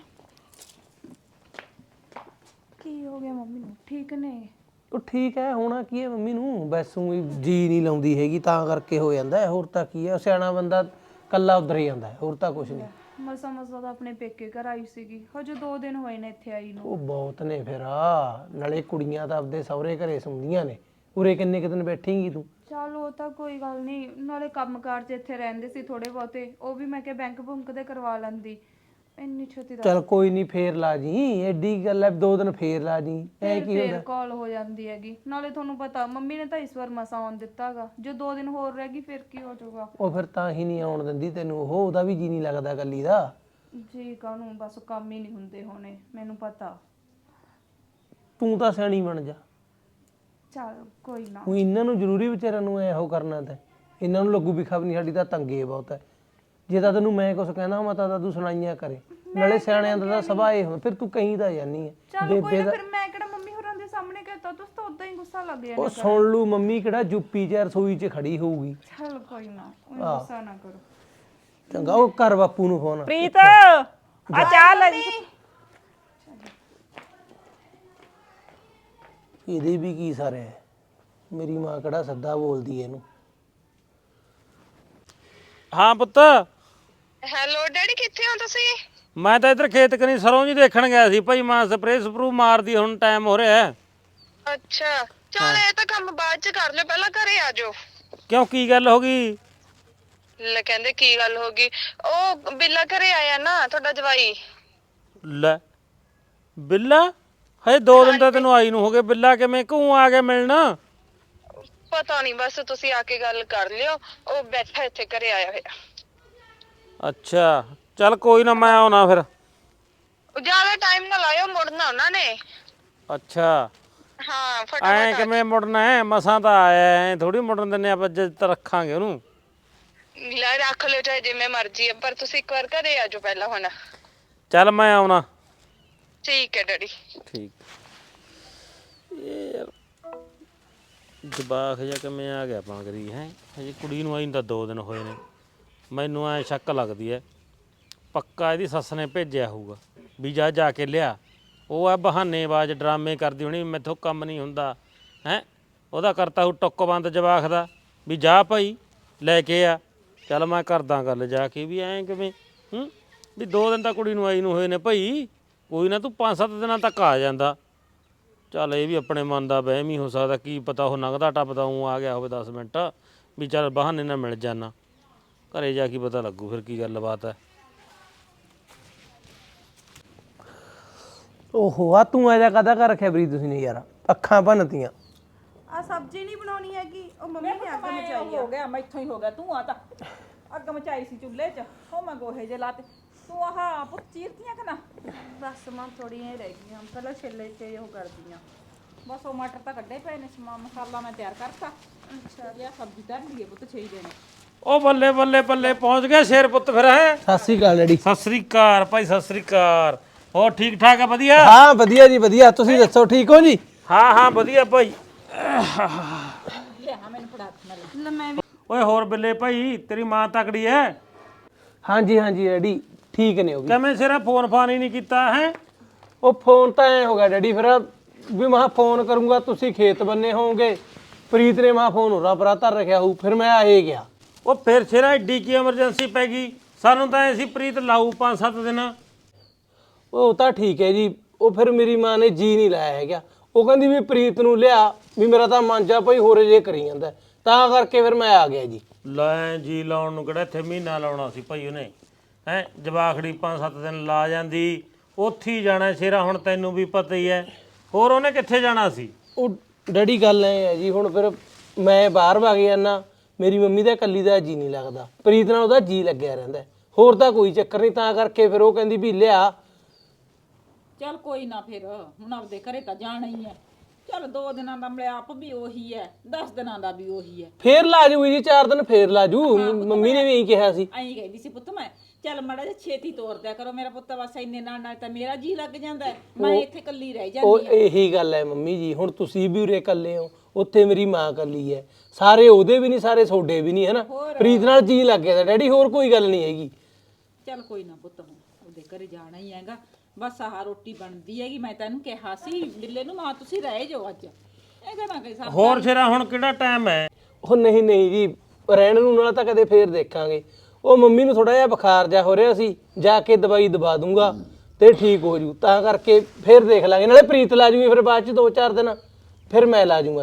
Speaker 3: ਕੀ ਹੋ ਗਿਆ ਮੰਮੀ ਨੂੰ ਠੀਕ ਨੇ
Speaker 5: ਉਹ ਠੀਕ ਹੈ ਹੋਣਾ ਕੀ ਹੈ ਮੰਮੀ ਨੂੰ ਬਸ ਊਂ ਹੀ ਜੀ ਨਹੀਂ ਲਾਉਂਦੀ ਹੈਗੀ ਤਾਂ ਕਰਕੇ ਹੋ ਜਾਂਦਾ ਹੈ ਹੋਰ ਤਾਂ ਕੀ ਹੈ ਸਿਆਣਾ ਬੰਦਾ ਕੱਲਾ ਉਧਰ ਹੀ ਜਾਂਦਾ ਹੈ ਹੋਰ ਤਾਂ ਕੁਝ ਨਹੀਂ
Speaker 3: ਮਸਾ ਤਾਂ ਆਪਣੇ ਪੇਕੇ ਘਰ ਆਈ ਸੀਗੀ ਹਜੇ 2 ਦਿਨ ਹੋਏ ਨੇ ਇੱਥੇ ਆਈ ਨੂੰ
Speaker 5: ਉਹ ਬਹੁਤ ਨੇ ਫਿਰ ਨਾਲੇ ਕੁੜੀਆਂ ਤਾਂ ਆਪਦੇ ਸਹੁਰੇ ਘਰੇ ਸੁਣਦੀਆਂ ਨੇ ਉਰੇ ਕਿੰਨੇ ਕੁ ਦਿਨ ਬੈਠੇਂਗੀ ਤੂੰ
Speaker 3: ਚਲ ਉਹ ਤਾਂ ਕੋਈ ਗੱਲ ਨਹੀਂ, ਨਾਲੇ ਕੰਮਕਾਰ 'ਚ ਇੱਥੇ ਰਹਿੰਦੇ ਸੀ ਥੋੜੇ ਬਹੁਤੇ, ਉਹ ਵੀ ਮੈਂ ਕਿਹਾ ਬੈਂਕ ਬੁੰਕ ਦੇ ਕਰਵਾ ਲੈਂਦੀ। ਇੰਨੀ ਛੇਤੀ ਦਾ
Speaker 5: ਚਲ ਕੋਈ ਨਹੀਂ, ਫੇਰ ਲਾ ਜੀ, ਐਡੀ ਗੱਲ ਹੈ, 2 ਦਿਨ ਫੇਰ ਲਾ ਜੀ, ਐ ਕੀ
Speaker 3: ਫੇਰ
Speaker 5: ਹੁੰਦਾ।
Speaker 3: ਕਾਲ ਹੋ ਜਾਂਦੀ ਹੈਗੀ। ਨਾਲੇ ਤੁਹਾਨੂੰ ਪਤਾ ਮੰਮੀ ਨੇ ਤਾਂ ਇਸ ਵਾਰ ਮਸਾ ਆਉਣ ਦਿੱਤਾਗਾ, ਜੇ 2 ਦਿਨ ਹੋਰ ਰਹਿ ਗਈ ਫਿਰ ਕੀ ਹੋ ਜਾਊਗਾ।
Speaker 5: ਉਹ ਫਿਰ ਤਾਂ ਹੀ ਨਹੀਂ ਆਉਣ ਦਿੰਦੀ ਤੈਨੂੰ, ਉਹਦਾ ਵੀ ਜੀ ਨਹੀਂ ਲੱਗਦਾ ਗੱਲੀ ਦਾ।
Speaker 3: ਜੀ ਕਾਹਨੂੰ, ਬਸ ਕੰਮ ਹੀ ਨਹੀਂ ਹੁੰਦੇ ਹੋਣੇ, ਮੈਨੂੰ ਪਤਾ।
Speaker 5: ਤੂੰ ਤਾਂ ਸਿਆਣੀ ਬਣ ਜਾ।
Speaker 3: ਚਲ ਕੋਈ ਨਾ।
Speaker 5: ਉਹ ਇਹਨਾਂ ਨੂੰ ਜ਼ਰੂਰੀ ਵਿਚਾਰਿਆਂ ਨੂੰ ਇਹੋ ਕਰਨਾ ਤੇ ਇਹਨਾਂ ਨੂੰ ਲੱਗੂ ਵੀ ਖਬਰ ਨਹੀਂ ਸਾਡੀ ਤਾਂ ਤੰਗੇ ਬਹੁਤ ਹੈ। ਜੇ ਤਾਂ ਤੈਨੂੰ ਮੈਂ ਕੁਝ ਕਹਿਣਾ ਮੈਂ ਤਾਂ ਤੂੰ ਸੁਣਾਈਆਂ ਕਰੇ, ਨਾਲੇ ਸਿਆਣਿਆਂ ਦਾ ਤਾਂ ਸੁਭਾਅ ਇਹ ਹੁੰਦਾ, ਫਿਰ ਤੂੰ ਕਹੀਂ ਤਾਂ ਜਾਨੀ ਹੈ।
Speaker 3: ਚਲ ਕੋਈ ਨਾ, ਫਿਰ ਮੈਂ ਕਿਹੜਾ ਮੰਮੀ ਹੋਰਾਂ ਦੇ ਸਾਹਮਣੇ ਕਹਤਾ, ਤੁਸੀਂ ਤਾਂ ਉਦਾਂ ਹੀ ਗੁੱਸਾ ਲੱਗ ਜਾਣਾ।
Speaker 5: ਉਹ ਸੁਣ ਲੂ, ਮੰਮੀ ਕਿਹੜਾ ਜੁੱਪੀ ਚ ਰਸੋਈ 'ਚ ਖੜੀ ਹੋਊਗੀ।
Speaker 3: ਚਲ ਕੋਈ ਨਾ, ਗੁੱਸਾ ਨਾ ਕਰੋ।
Speaker 5: ਚੰਗਾ, ਉਹ ਕਰ ਬਾਪੂ ਨੂੰ ਫੋਨ।
Speaker 1: ਪ੍ਰੀਤ ਆ ਚਾਹ ਲੈ ਜੀ।
Speaker 5: ਇਹਦੇ ਵੀ ਕੀ ਸਾਰੇ ਹੈ, ਮੇਰੀ ਮਾਂ ਕਿਹੜਾ ਸੱਦਾ ਬੋਲਦੀ ਇਹਨੂੰ।
Speaker 2: ਹਾਂ ਪੁੱਤ,
Speaker 7: ਹੈਲੋ ਡੈਡੀ, ਕਿੱਥੇ ਹੋ ਤੁਸੀਂ?
Speaker 2: ਮੈਂ ਤਾਂ ਇੱਧਰ ਖੇਤ ਕਨੀ ਸਰੋਂ ਜੀ ਦੇਖਣ ਗਿਆ ਸੀ ਭਾਈ, ਮਾਂ ਸਪਰੇਅ ਸਪਰੂ ਮਾਰਦੀ, ਹੁਣ ਟਾਈਮ ਹੋ ਰਿਹਾ ਹੈ।
Speaker 7: ਅੱਛਾ ਚੱਲ, ਇਹ ਤਾਂ ਕੰਮ ਬਾਅਦ ਚ ਕਰ ਲਿਓ, ਪਹਿਲਾਂ ਘਰੇ ਆ ਜਾਓ।
Speaker 2: ਕਿਉਂ, ਕੀ ਗੱਲ ਹੋ ਗਈ?
Speaker 7: ਲੈ ਕਹਿੰਦੇ ਕੀ ਗੱਲ ਹੋ ਗਈ, ਉਹ ਬਿੱਲਾ ਘਰੇ ਆਇਆ ਨਾ ਤੁਹਾਡਾ ਜਵਾਈ।
Speaker 2: ਲੈ ਬਿੱਲਾ, ਹਜੇ 2 ਦਿਨ ਤਾਂ ਤੈਨੂੰ ਆਈ ਨੂੰ ਹੋ ਗਏ, ਬਿੱਲਾ ਕਿਵੇਂ ਕਿਉਂ ਆ ਗਿਆ ਮਿਲਣ?
Speaker 7: ਪਤਾ ਨਹੀਂ, ਬਸ ਤੁਸੀਂ ਆ ਕੇ ਗੱਲ ਕਰ ਲਿਓ, ਉਹ ਬੈਠਾ ਇੱਥੇ ਘਰੇ ਆਇਆ ਹੋਇਆ।
Speaker 2: ਅੱਛਾ ਚੱਲ ਕੋਈ ਨਾ, ਮੈਂ ਆਉਣਾ ਫਿਰ।
Speaker 7: ਜਿਆਦਾ ਟਾਈਮ ਨਾ ਲਾਇਓ, ਮੁੜਨਾ ਉਹਨਾਂ ਨੇ।
Speaker 2: ਅੱਛਾ
Speaker 7: ਹਾਂ
Speaker 2: ਐ
Speaker 7: ਫਟਾਫਟ।
Speaker 2: ਕਿਵੇਂ ਮੁੜਨਾ ਹੈ, ਮਸਾਂ ਤਾਂ ਆਇਆ, ਐ ਥੋੜੀ ਮੁੜਨ ਦਿੰਨੇ ਆਪਾਂ, ਜਿੱਦ ਰੱਖਾਂਗੇ ਉਹਨੂੰ।
Speaker 7: ਲੈ ਰੱਖ ਲਿਓ ਚਾਹੇ ਜਿਵੇਂ ਮਰਜ਼ੀ ਹੈ, ਪਰ ਤੁਸੀਂ ਇੱਕ ਵਾਰ ਘਰੇ ਆ ਜਾਓ ਪਹਿਲਾਂ ਹੁਣ।
Speaker 2: ਚੱਲ ਮੈਂ ਆਉਣਾ।
Speaker 7: ਠੀਕ ਹੈ ਡੈਡੀ।
Speaker 2: ਠੀਕ। ਇਹ ਜਵਾਕ ਜਿਹਾ ਕਿਵੇਂ ਆ ਗਿਆ ਪਾਗਰੀ ਹੈ, ਹਜੇ ਕੁੜੀ ਨੂੰ ਆਈ ਨੂੰ ਤਾਂ 2 ਦਿਨ ਹੋਏ ਨੇ। ਮੈਨੂੰ ਐ ਸ਼ੱਕ ਲੱਗਦੀ ਐ, ਪੱਕਾ ਇਹਦੀ ਸੱਸ ਨੇ ਭੇਜਿਆ ਹੋਊਗਾ ਵੀ ਜਾ ਕੇ ਲਿਆ। ਉਹ ਆ ਬਹਾਨੇਬਾਜ਼, ਡਰਾਮੇ ਕਰਦੀ ਹੋਣੀ, ਮੈਥੋਂ ਕੰਮ ਨਹੀਂ ਹੁੰਦਾ ਹੈ। ਉਹਦਾ ਕਰਤਾ ਉਹ ਟੁੱਕ ਬੰਦ ਜਵਾਕ ਦਾ ਵੀ ਜਾ ਭਾਈ ਲੈ ਕੇ ਆ। ਚੱਲ ਮੈਂ ਕਰਦਾ ਗੱਲ ਜਾ ਕੇ, ਵੀ ਐਂ ਕਿਵੇਂ ਵੀ 2 ਦਿਨ ਤਾਂ ਕੁੜੀ ਨੂੰ ਆਈ ਨੂੰ ਹੋਏ ਨੇ ਭਾਈ, ਕੋਈ ਨਾ ਤੂੰ 5-7 ਦਿਨਾਂ ਤੱਕ ਆ ਜਾਂਦਾ। ਚੱਲ ਇਹ ਵੀ ਆਪਣੇ ਮਨ ਦਾ ਵਹਿਮ ਹੀ ਹੋ ਸਕਦਾ, ਕੀ ਪਤਾ ਉਹ ਲੰਘਦਾ ਟੱਪਦਾ ਉਹ ਆ ਗਿਆ ਹੋਵੇ 10 ਮਿੰਟ, ਵੀ ਚੱਲ ਬਹਾਨੇ ਨਾਲ ਮਿਲ ਜਾਣਾ। ਘਰੇ ਜਾ ਕੇ ਪਤਾ ਲੱਗੂ ਫਿਰ ਕੀ ਗੱਲਬਾਤ ਹੈ।
Speaker 5: ਓਹੋ, ਆ ਤੂੰ ਐਜਾ ਕਾਹਦਾ ਕਰ ਰੱਖਿਆ ਬਰੀ ਤੁਸੀਂ ਨੇ ਯਾਰ, ਅੱਖਾਂ ਭੰਨਤੀਆਂ।
Speaker 3: ਆ ਸਬਜ਼ੀ ਨਹੀਂ ਬਣਾਉਣੀ ਹੈਗੀ, ਉਹ ਮੰਮੀ ਨੇ ਅੱਗ ਮਚਾਈ
Speaker 1: ਹੋ ਗਿਆ, ਮੈਥੋਂ ਹੀ ਹੋ ਗਿਆ। ਤੂੰ ਆ ਤਾਂ ਅੱਗ ਮਚਾਈ ਸੀ ਚੁੱਲ੍ਹੇ 'ਚ, ਉਹ ਮੈਂ ਗੋਹੇ ਜੇ ਲਾਤੇ। ਤੂੰ ਆਹ ਪੁੱਤ ਚੀਰਤੀਆਂ ਕਿ ਨਾ?
Speaker 3: ਬਸ ਮਾਂ ਥੋੜੀਆਂ ਹੀ ਰਹਿ ਗਈਆਂ, ਪਹਿਲਾਂ ਛਿੱਲੇ 'ਚ ਉਹ ਕਰਦੀਆਂ।
Speaker 1: ਬਸ ਉਹ ਮਟਰ ਤਾਂ ਕੱਢੇ ਪਏ ਨੇ, ਮਸਾਲਾ ਮੈਂ ਤਿਆਰ ਕਰਤਾ। ਅੱਛਾ ਜੀ, ਸਬਜ਼ੀ ਧਰ ਲਈਏ ਪੁੱਤ 6 ਦਿਨ।
Speaker 2: ਉਹ ਬੱਲੇ ਬੱਲੇ ਬੱਲੇ, ਪਹੁੰਚ ਗਿਆ ਸ਼ੇਰ ਪੁੱਤ ਫਿਰ ਹੈ।
Speaker 5: ਸਤਿ ਸ੍ਰੀ ਅਕਾਲ ਡੈਡੀ।
Speaker 2: ਸਤਿ ਸ੍ਰੀ ਅਕਾਲ ਭਾਈ, ਸਤਿ ਸ੍ਰੀ ਅਕਾਲ। ਹੋਰ ਠੀਕ ਠਾਕ ਹੈ? ਵਧੀਆ।
Speaker 5: ਹਾਂ ਵਧੀਆ ਜੀ ਵਧੀਆ, ਤੁਸੀਂ ਦੱਸੋ ਠੀਕ ਹੋ ਜੀ?
Speaker 2: ਹਾਂ ਵਧੀਆ ਭਾਈ।
Speaker 1: ਲਿਆ ਮੈਨੂੰ ਫੜਾ ਨਾਲ।
Speaker 3: ਲੈ ਮੈਂ ਵੀ
Speaker 2: ਓਏ ਹੋਰ ਬਿੱਲੇ ਭਾਈ, ਤੇਰੀ ਮਾਂ ਤਕੜੀ ਹੈ?
Speaker 5: ਹਾਂਜੀ ਡੈਡੀ ਠੀਕ ਨੇ ਉਹ ਵੀ।
Speaker 2: ਕਿਵੇਂ ਸਿਰਾ ਫੋਨ ਫਾਨ ਹੀ ਨਹੀਂ ਕੀਤਾ ਹੈ?
Speaker 5: ਉਹ ਫੋਨ ਤਾਂ ਐ ਹੋ ਗਿਆ ਡੈਡੀ, ਫਿਰ ਵੀ ਮੈਂ ਫੋਨ ਕਰੂੰਗਾ ਤੁਸੀਂ ਖੇਤ ਬੰਨੇ ਹੋਵੋਗੇ, ਪ੍ਰੀਤ ਨੇ ਮੈਂ ਫੋਨ ਹੋਰਾਂ ਪਰਾਂ ਧਰ ਰੱਖਿਆ ਹੋਊ, ਫਿਰ ਮੈਂ ਆਏ ਗਿਆ।
Speaker 2: ਉਹ ਫਿਰ ਸਿਰਾ ਏਡੀ ਕੀ ਐਮਰਜੈਂਸੀ ਪੈ ਗਈ? ਸਾਨੂੰ ਤਾਂ ਐਸੀ ਪ੍ਰੀਤ ਲਾਊ 5-7 ਦਿਨ।
Speaker 5: ਉਹ ਤਾਂ ਠੀਕ ਹੈ ਜੀ, ਉਹ ਫਿਰ ਮੇਰੀ ਮਾਂ ਨੇ ਜੀ ਨਹੀਂ ਲਾਇਆ ਹੈਗਾ, ਉਹ ਕਹਿੰਦੀ ਵੀ ਪ੍ਰੀਤ ਨੂੰ ਲਿਆ, ਵੀ ਮੇਰਾ ਤਾਂ ਮਨ ਜਾ ਭਾਈ ਹੋਰੇ ਜੇ ਕਰੀ ਜਾਂਦਾ, ਤਾਂ ਕਰਕੇ ਫਿਰ ਮੈਂ ਆ ਗਿਆ ਜੀ।
Speaker 2: ਲੈ ਜੀ ਲਾਉਣ ਨੂੰ ਕਿਹੜਾ ਇੱਥੇ ਮਹੀਨਾ ਲਾਉਣਾ ਸੀ ਭਾਈ ਉਹਨੇ, ਹੈ ਜਵਾਖੜੀ 5-7 ਦਿਨ ਲਾ ਜਾਂਦੀ, ਉੱਥੇ ਹੀ ਜਾਣਾ ਸ਼ੇਰਾ, ਹੁਣ ਤੈਨੂੰ ਵੀ ਪਤਾ ਹੀ ਹੈ, ਹੋਰ ਉਹਨੇ ਕਿੱਥੇ ਜਾਣਾ ਸੀ?
Speaker 5: ਉਹ ਡੈਡੀ ਗੱਲ ਐ ਹੈ ਜੀ, ਹੁਣ ਫਿਰ ਮੈਂ ਬਾਹਰ ਵਗ ਜਾਂਦਾ, ਮੇਰੀ ਮੰਮੀ ਦਾ ਇਕੱਲੀ ਦਾ ਜੀ ਨਹੀਂ ਲੱਗਦਾ, ਪ੍ਰੀਤ ਨਾਲ ਉਹਦਾ ਜੀ ਲੱਗਿਆ ਰਹਿੰਦਾ, ਹੋਰ ਤਾਂ ਕੋਈ ਚੱਕਰ ਨਹੀਂ, ਤਾਂ ਕਰਕੇ ਫਿਰ ਉਹ ਕਹਿੰਦੀ ਵੀ ਲਿਆ।
Speaker 1: ਚੱਲ ਕੋਈ ਨਾ, ਫਿਰ ਹੁਣ ਆਪਦੇ ਘਰੇ ਤਾਂ ਜਾਣਾ ਹੀ ਹੈ। ਚੱਲ 2 ਦਿਨਾਂ ਦਾ ਮਿਲਾਪ ਵੀ ਉਹੀ ਹੈ, 10 ਦਿਨਾਂ ਦਾ ਵੀ ਉਹੀ ਹੈ।
Speaker 5: ਫੇਰ ਲਾ ਜੂਗੀ ਜੀ 4 ਦਿਨ, ਫੇਰ ਲਾ ਜੂ, ਮੰਮੀ ਨੇ ਵੀ ਇਹੀ ਕਿਹਾ ਸੀ।
Speaker 1: ਐਂ ਕਹਿੰਦੀ ਸੀ ਪੁੱਤ ਮੈਂ, ਚੱਲ ਮਾੜਾ ਜਿਹਾ ਛੇਤੀ ਤੋਰ ਦਿਆ ਕਰੋ ਮੇਰਾ ਪੁੱਤ, ਬਸ ਇੰਨੇ ਨਾਲ ਤਾਂ ਮੇਰਾ ਜੀ ਲੱਗ ਜਾਂਦਾ ਹੈ, ਮੈਂ ਇੱਥੇ ਇਕੱਲੀ ਰਹਿ
Speaker 5: ਉਹ
Speaker 1: ਜਾਂਦੀ ਹਾਂ।
Speaker 5: ਇਹੀ ਗੱਲ ਹੈ ਮੰਮੀ ਜੀ, ਹੁਣ ਤੁਸੀਂ ਵੀ ਉਰੇ ਇਕੱਲੇ ਹੋ, ਉੱਥੇ ਮੇਰੀ ਮਾਂ ਇਕੱਲੀ ਹੈ, ਸਾਰੇ ਉਹਦੇ ਵੀ ਨਹੀਂ, ਸਾਰੇ ਤੁਹਾਡੇ ਵੀ ਨਹੀਂ, ਹੈ ਨਾ। ਪ੍ਰੀਤ ਨਾਲ ਜੀ ਲੱਗ ਗਿਆ ਤਾਂ ਡੈਡੀ, ਹੋਰ ਕੋਈ ਗੱਲ ਨਹੀਂ ਹੈਗੀ।
Speaker 1: ਚੱਲ ਕੋਈ ਨਾ ਪੁੱਤ, ਹੁਣ ਉਹਦੇ ਘਰੇ ਜਾਣਾ ਹੀ ਹੈਗਾ, ਬਸ ਆਹ ਰੋਟੀ ਬਣਦੀ ਹੈਗੀ। ਮੈਂ ਤੈਨੂੰ ਕਿਹਾ ਸੀ ਬਿੱਲੇ ਨੂੰ, ਮਾਂ ਤੁਸੀਂ ਰਹਿ ਜਾਓ ਅੱਜ, ਇਹ ਕਹਿੰਦਾ ਕਿ ਸਭ
Speaker 2: ਹੋਰ ਸ਼ੇਰਾ ਹੁਣ ਕਿਹੜਾ ਟਾਈਮ ਹੈ?
Speaker 5: ਉਹ ਨਹੀਂ ਜੀ, ਰਹਿਣ ਨੂੰ ਨਾਲ ਤਾਂ ਕਦੇ ਫੇਰ ਦੇਖਾਂਗੇ। ਉਹ ਮੰਮੀ ਨੂੰ ਥੋੜਾ ਜਿਹਾ ਬੁਖਾਰ ਜਾ ਹੋ ਰਿਹਾ ਸੀ, ਜਾ ਕੇ ਦਵਾਈ ਦਵਾ ਦੂੰਗਾ ਤੇ ਠੀਕ ਹੋ ਜੂ, ਤਾਂ ਕਰਕੇ ਫੇਰ ਦੇਖ ਲਾਂਗੇ, ਨਾਲੇ ਪ੍ਰੀਤ ਲਾ ਜੂਗੀ ਫਿਰ ਬਾਅਦ ਚ 2-4 ਦਿਨ, ਫਿਰ ਮੈਂ ਲਾ ਜੂੰਗਾ ਜੀ।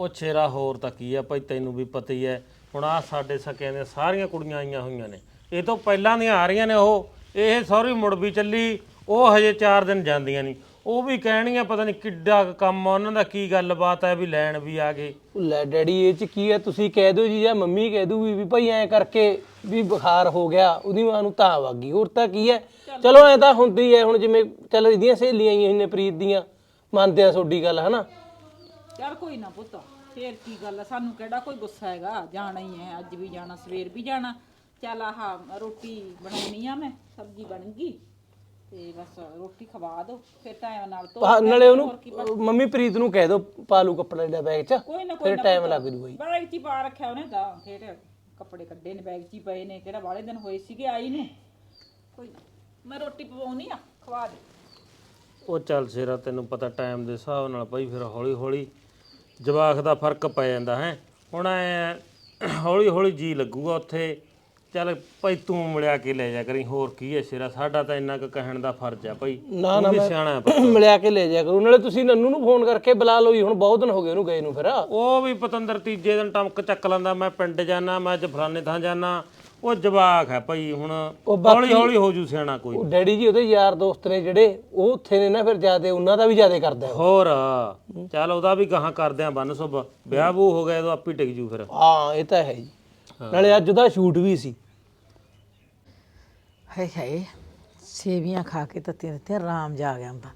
Speaker 2: ਉਹ ਛੇਰਾ ਹੋਰ ਤਾਂ ਕੀ ਆ ਭਾਈ, ਤੈਨੂੰ ਵੀ ਪਤਾ ਹੀ ਐ। ਹੁਣ ਆ ਸਾਡੇ ਸਕਿਆਂ ਦੀਆਂ ਸਾਰੀਆਂ ਕੁੜੀਆਂ ਆਈਆਂ ਹੋਈਆਂ ਨੇ, ਇਹ ਤੋਂ ਪਹਿਲਾਂ ਦੀਆਂ ਆ ਰਹੀਆਂ ਨੇ। ਇਹ ਸਹੁਰੀ ਮੁੜ ਵੀ ਚੱਲੀ, ਉਹ ਹਜੇ 4 ਦਿਨ ਜਾਂਦੀਆਂ ਨਹੀਂ। ਉਹ ਵੀ ਕਹਿਣੀਆਂ ਪਤਾ ਨਹੀਂ ਕਿੱਡਾ ਕੁ ਕੰਮ ਆ ਉਹਨਾਂ ਦਾ, ਕੀ ਗੱਲਬਾਤ ਹੈ ਵੀ ਲੈਣ ਵੀ ਆ ਗਏ।
Speaker 5: ਲੈ ਡੈਡੀ ਇਹ ਚ ਕੀ ਹੈ, ਤੁਸੀਂ ਕਹਿ ਦਿਓ ਜੀ ਜਾਂ ਮੰਮੀ ਕਹਿ ਦੂਗੀ ਵੀ ਭਾਈ ਐਂ ਕਰਕੇ ਵੀ ਬੁਖਾਰ ਹੋ ਗਿਆ, ਉਹਦੀ ਮਾਂ ਨੂੰ ਤਾਂ ਵਗ ਗਈ, ਹੋਰ ਤਾਂ ਕੀ ਹੈ। ਚਲੋ ਐ ਤਾਂ ਹੁੰਦੀ ਹੈ, ਹੁਣ ਜਿਵੇਂ ਚੱਲ ਇਹਦੀਆਂ ਸਹੇਲੀਆਂ ਆਈਆਂ ਨੇ ਪ੍ਰੀਤ ਦੀਆਂ, ਮੰਨਦੇ ਆ ਤੁਹਾਡੀ ਗੱਲ ਹਨਾ।
Speaker 1: ਚੱਲ ਕੋਈ ਨਾ ਪੁੱਤ, ਫੇਰ ਕੀ ਗੱਲ ਆ, ਸਾਨੂੰ ਕਿਹੜਾ ਕੋਈ ਗੁੱਸਾ ਹੈਗਾ, ਜਾਣਾ ਹੀ ਹੈ, ਅੱਜ ਵੀ ਜਾਣਾ, ਸਵੇਰ ਵੀ ਜਾਣਾ। ਚੱਲ ਆਹ ਰੋਟੀ ਬਣਾਉਣੀ ਆ, ਮੈਂ ਸਬਜ਼ੀ ਬਣ ਗਈ ਤੇ ਬਸ ਰੋਟੀ ਖਵਾ ਦੋ, ਫਿਰ ਟਾਈਮ ਨਾਲ
Speaker 5: ਨਾਲੇ ਉਹਨੂੰ ਮੰਮੀ ਪ੍ਰੀਤ ਨੂੰ ਕਹਿ ਦੋ ਪਾ ਲੂ ਕੱਪੜਾ ਜਿਹੜਾ ਬੈਗ 'ਚ,
Speaker 1: ਕੋਈ ਨਾ
Speaker 5: ਫਿਰ ਟਾਈਮ ਲੱਗ ਜੂ ਬਾਈ।
Speaker 1: ਬੈਗ 'ਚ ਹੀ ਪਾ ਰੱਖਿਆ ਉਹਨੇ ਤਾਂ, ਫਿਰ ਕੱਪੜੇ ਕੱਢੇ ਨੇ ਬੈਗ 'ਚ ਹੀ ਪਏ ਨੇ, ਕਿਹੜਾ ਵਾਲੇ ਦਿਨ ਹੋਏ ਸੀਗੇ ਆਈ ਨੂੰ। ਕੋਈ ਨਾ ਮੈਂ ਰੋਟੀ ਪਵਾਉਣੀ ਆ, ਖਵਾ ਦੇ।
Speaker 2: ਉਹ ਚੱਲ ਸ਼ੇਰਾ, ਤੈਨੂੰ ਪਤਾ ਟਾਈਮ ਦੇ ਹਿਸਾਬ ਨਾਲ ਭਾਈ ਫਿਰ ਹੌਲੀ ਹੌਲੀ ਜਵਾਕ ਦਾ ਫਰਕ ਪੈ ਜਾਂਦਾ ਹੈ। ਹੁਣ ਐ ਹੌਲੀ ਹੌਲੀ ਜੀ ਲੱਗੂਗਾ ਉੱਥੇ। ਚੱਲ ਭਾਈ ਤੂੰ ਮਿਲਿਆ ਕੇ ਲੈ ਜਾ ਕਰੀ, ਹੋਰ ਕੀ ਹੈ ਸ਼ੇਰਾ, ਸਾਡਾ ਤਾਂ ਇੰਨਾ ਕੁ ਕਹਿਣ ਦਾ ਫਰਜ਼ ਆ ਭਾਈ।
Speaker 5: ਨਾ
Speaker 2: ਤੂੰ ਵੀ ਸਿਆਣਾ ਹੈ।
Speaker 5: ਮਿਲਿਆ ਕੇ ਲੈ ਜਾ ਕਰੋ, ਨਾਲੇ ਤੁਸੀਂ ਨੰਨੂ ਨੂੰ ਫੋਨ ਕਰਕੇ ਬੁਲਾ ਲਓ ਜੀ, ਹੁਣ ਬਹੁਤ ਦਿਨ ਹੋ ਗਏ ਉਹਨੂੰ ਗਏ ਨੂੰ। ਫਿਰ
Speaker 2: ਉਹ ਵੀ ਪਤੰਦਰ ਤੀਜੇ ਦਿਨ ਟਮਕ ਚੱਕ ਲੈਂਦਾ, ਮੈਂ ਪਿੰਡ ਜਾਣਾ, ਮੈਂ ਅੱਜ ਫਲਾਣੇ ਥਾਂ ਜਾਣਾ। ਉਹ ਜਵਾਕ ਹੈ ਭਾਈ, ਹੁਣ ਹੌਲੀ ਹੌਲੀ ਹੋ ਜੂ ਸਿਆਣਾ ਕੋਈ।
Speaker 5: ਉਹ ਡੈਡੀ ਜੀ ਉਹਦੇ ਯਾਰ ਦੋਸਤ ਨੇ ਜਿਹੜੇ, ਉਹ ਉੱਥੇ ਨੇ ਨਾ, ਫਿਰ ਜਿਆਦੇ ਉਹਨਾਂ ਦਾ ਵੀ ਜਿਆਦੇ ਕਰਦਾ ਉਹ।
Speaker 2: ਹੋਰ ਚੱਲ ਉਹਦਾ ਵੀ ਗਾਹਾਂ ਕਰਦੇ ਆ ਬੰਨ ਸੁਭ, ਵਿਆਹ ਵੂ ਹੋ ਗਿਆ ਉਦੋਂ ਆਪੀ ਟਿਕ ਜੂ ਫਿਰ।
Speaker 5: ਹਾਂ ਇਹ ਤਾਂ ਹੈ ਜੀ, ਨਾਲੇ ਅੱਜ ਉਹਦਾ ਸ਼ੂਟ ਵੀ ਸੀ।
Speaker 6: ਹਾਏ ਹਾਏ, ਸੇਵੀਆਂ ਖਾ ਕੇ ਤਾਂ ਤੇਰੇ ਤੇ ਆਰਾਮ ਜਾ ਗਿਆ ਹੁੰਦਾ।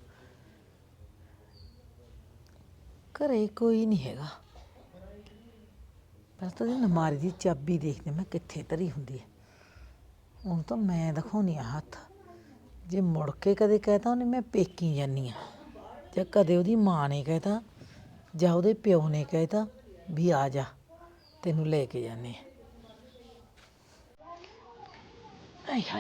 Speaker 6: ਘਰੇ ਕੋਈ ਨਹੀਂ ਹੈਗਾ, ਪਹਿਲਾਂ ਤਾਂ ਇਹਦੀ ਨਮਾਰੀ ਦੀ ਚਾਬੀ ਦੇਖਦੇ ਮੈਂ ਕਿੱਥੇ ਧਰੀ ਹੁੰਦੀ ਹੈ। ਹੁਣ ਤਾਂ ਮੈਂ ਦਿਖਾਉਣੀ ਆ ਹੱਥ, ਜੇ ਮੁੜ ਕੇ ਕਦੇ ਕਹਿਤਾ ਉਹਨੇ ਮੈਂ ਪੇਕੀ ਜਾਨੀ ਆ, ਜਾਂ ਕਦੇ ਉਹਦੀ ਮਾਂ ਨੇ ਕਹਿਤਾ ਜਾਂ ਉਹਦੇ ਪਿਓ ਨੇ ਕਹਿਤਾ ਵੀ ਆ ਜਾ ਤੈਨੂੰ ਲੈ ਕੇ ਜਾਂਦੇ ਆ। ਆਏ ਹਾਏ,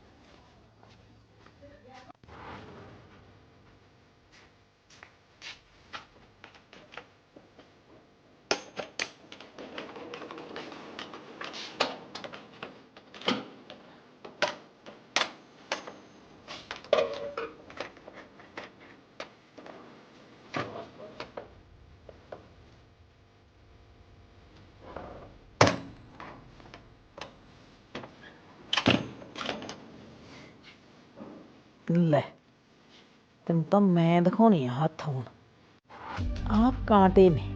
Speaker 6: ਲੈ ਤੈਨੂੰ ਤਾਂ ਮੈਂ ਦਿਖਾਉਣੀ ਆ ਹੱਥ। ਹੁਣ ਆਹ ਕਾਂਟੇ ਨੇ,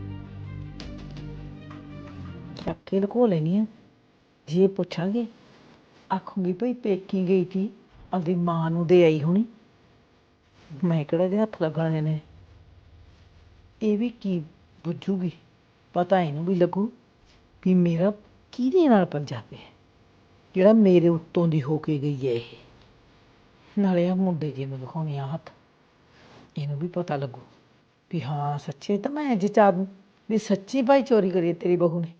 Speaker 6: ਚੱਕ ਕੇ ਲੁਕੋ ਲੈਣੀ ਆ। ਜੇ ਪੁੱਛਾਂਗੇ ਆਖੂੰਗੀ ਭਈ ਪੇਕੀ ਗਈ ਸੀ, ਆਪਦੀ ਮਾਂ ਨੂੰ ਦੇ ਆਈ ਹੋਣੀ, ਮੈਂ ਕਿਹੜਾ ਇਹਦੇ ਹੱਥ ਲੱਗਣੇ ਨੇ। ਇਹ ਵੀ ਕੀ ਬੁੱਝੂਗੀ, ਪਤਾ ਇਹਨੂੰ ਵੀ ਲੱਗੂ ਵੀ ਮੇਰਾ ਕਿਹਦੇ ਨਾਲ ਪੰਜਾ ਪਿਆ, ਜਿਹੜਾ ਮੇਰੇ ਉੱਤੋਂ ਦੀ ਹੋ ਕੇ ਗਈ ਹੈ ਇਹ। ਨਾਲੇ ਆ ਮੁੰਡੇ ਜੀ ਨੂੰ ਦਿਖਾਉਣੀ ਆ ਹੱਥ, ਇਹਨੂੰ ਵੀ ਪਤਾ ਲੱਗੂ ਵੀ ਹਾਂ ਸੱਚੇ ਤਾਂ ਮੈਂ ਜੇ ਚਾਹ ਵੀ ਸੱਚੀ ਭਾਈ ਚੋਰੀ ਕਰੀ ਤੇਰੀ ਬਹੂ ਨੇ।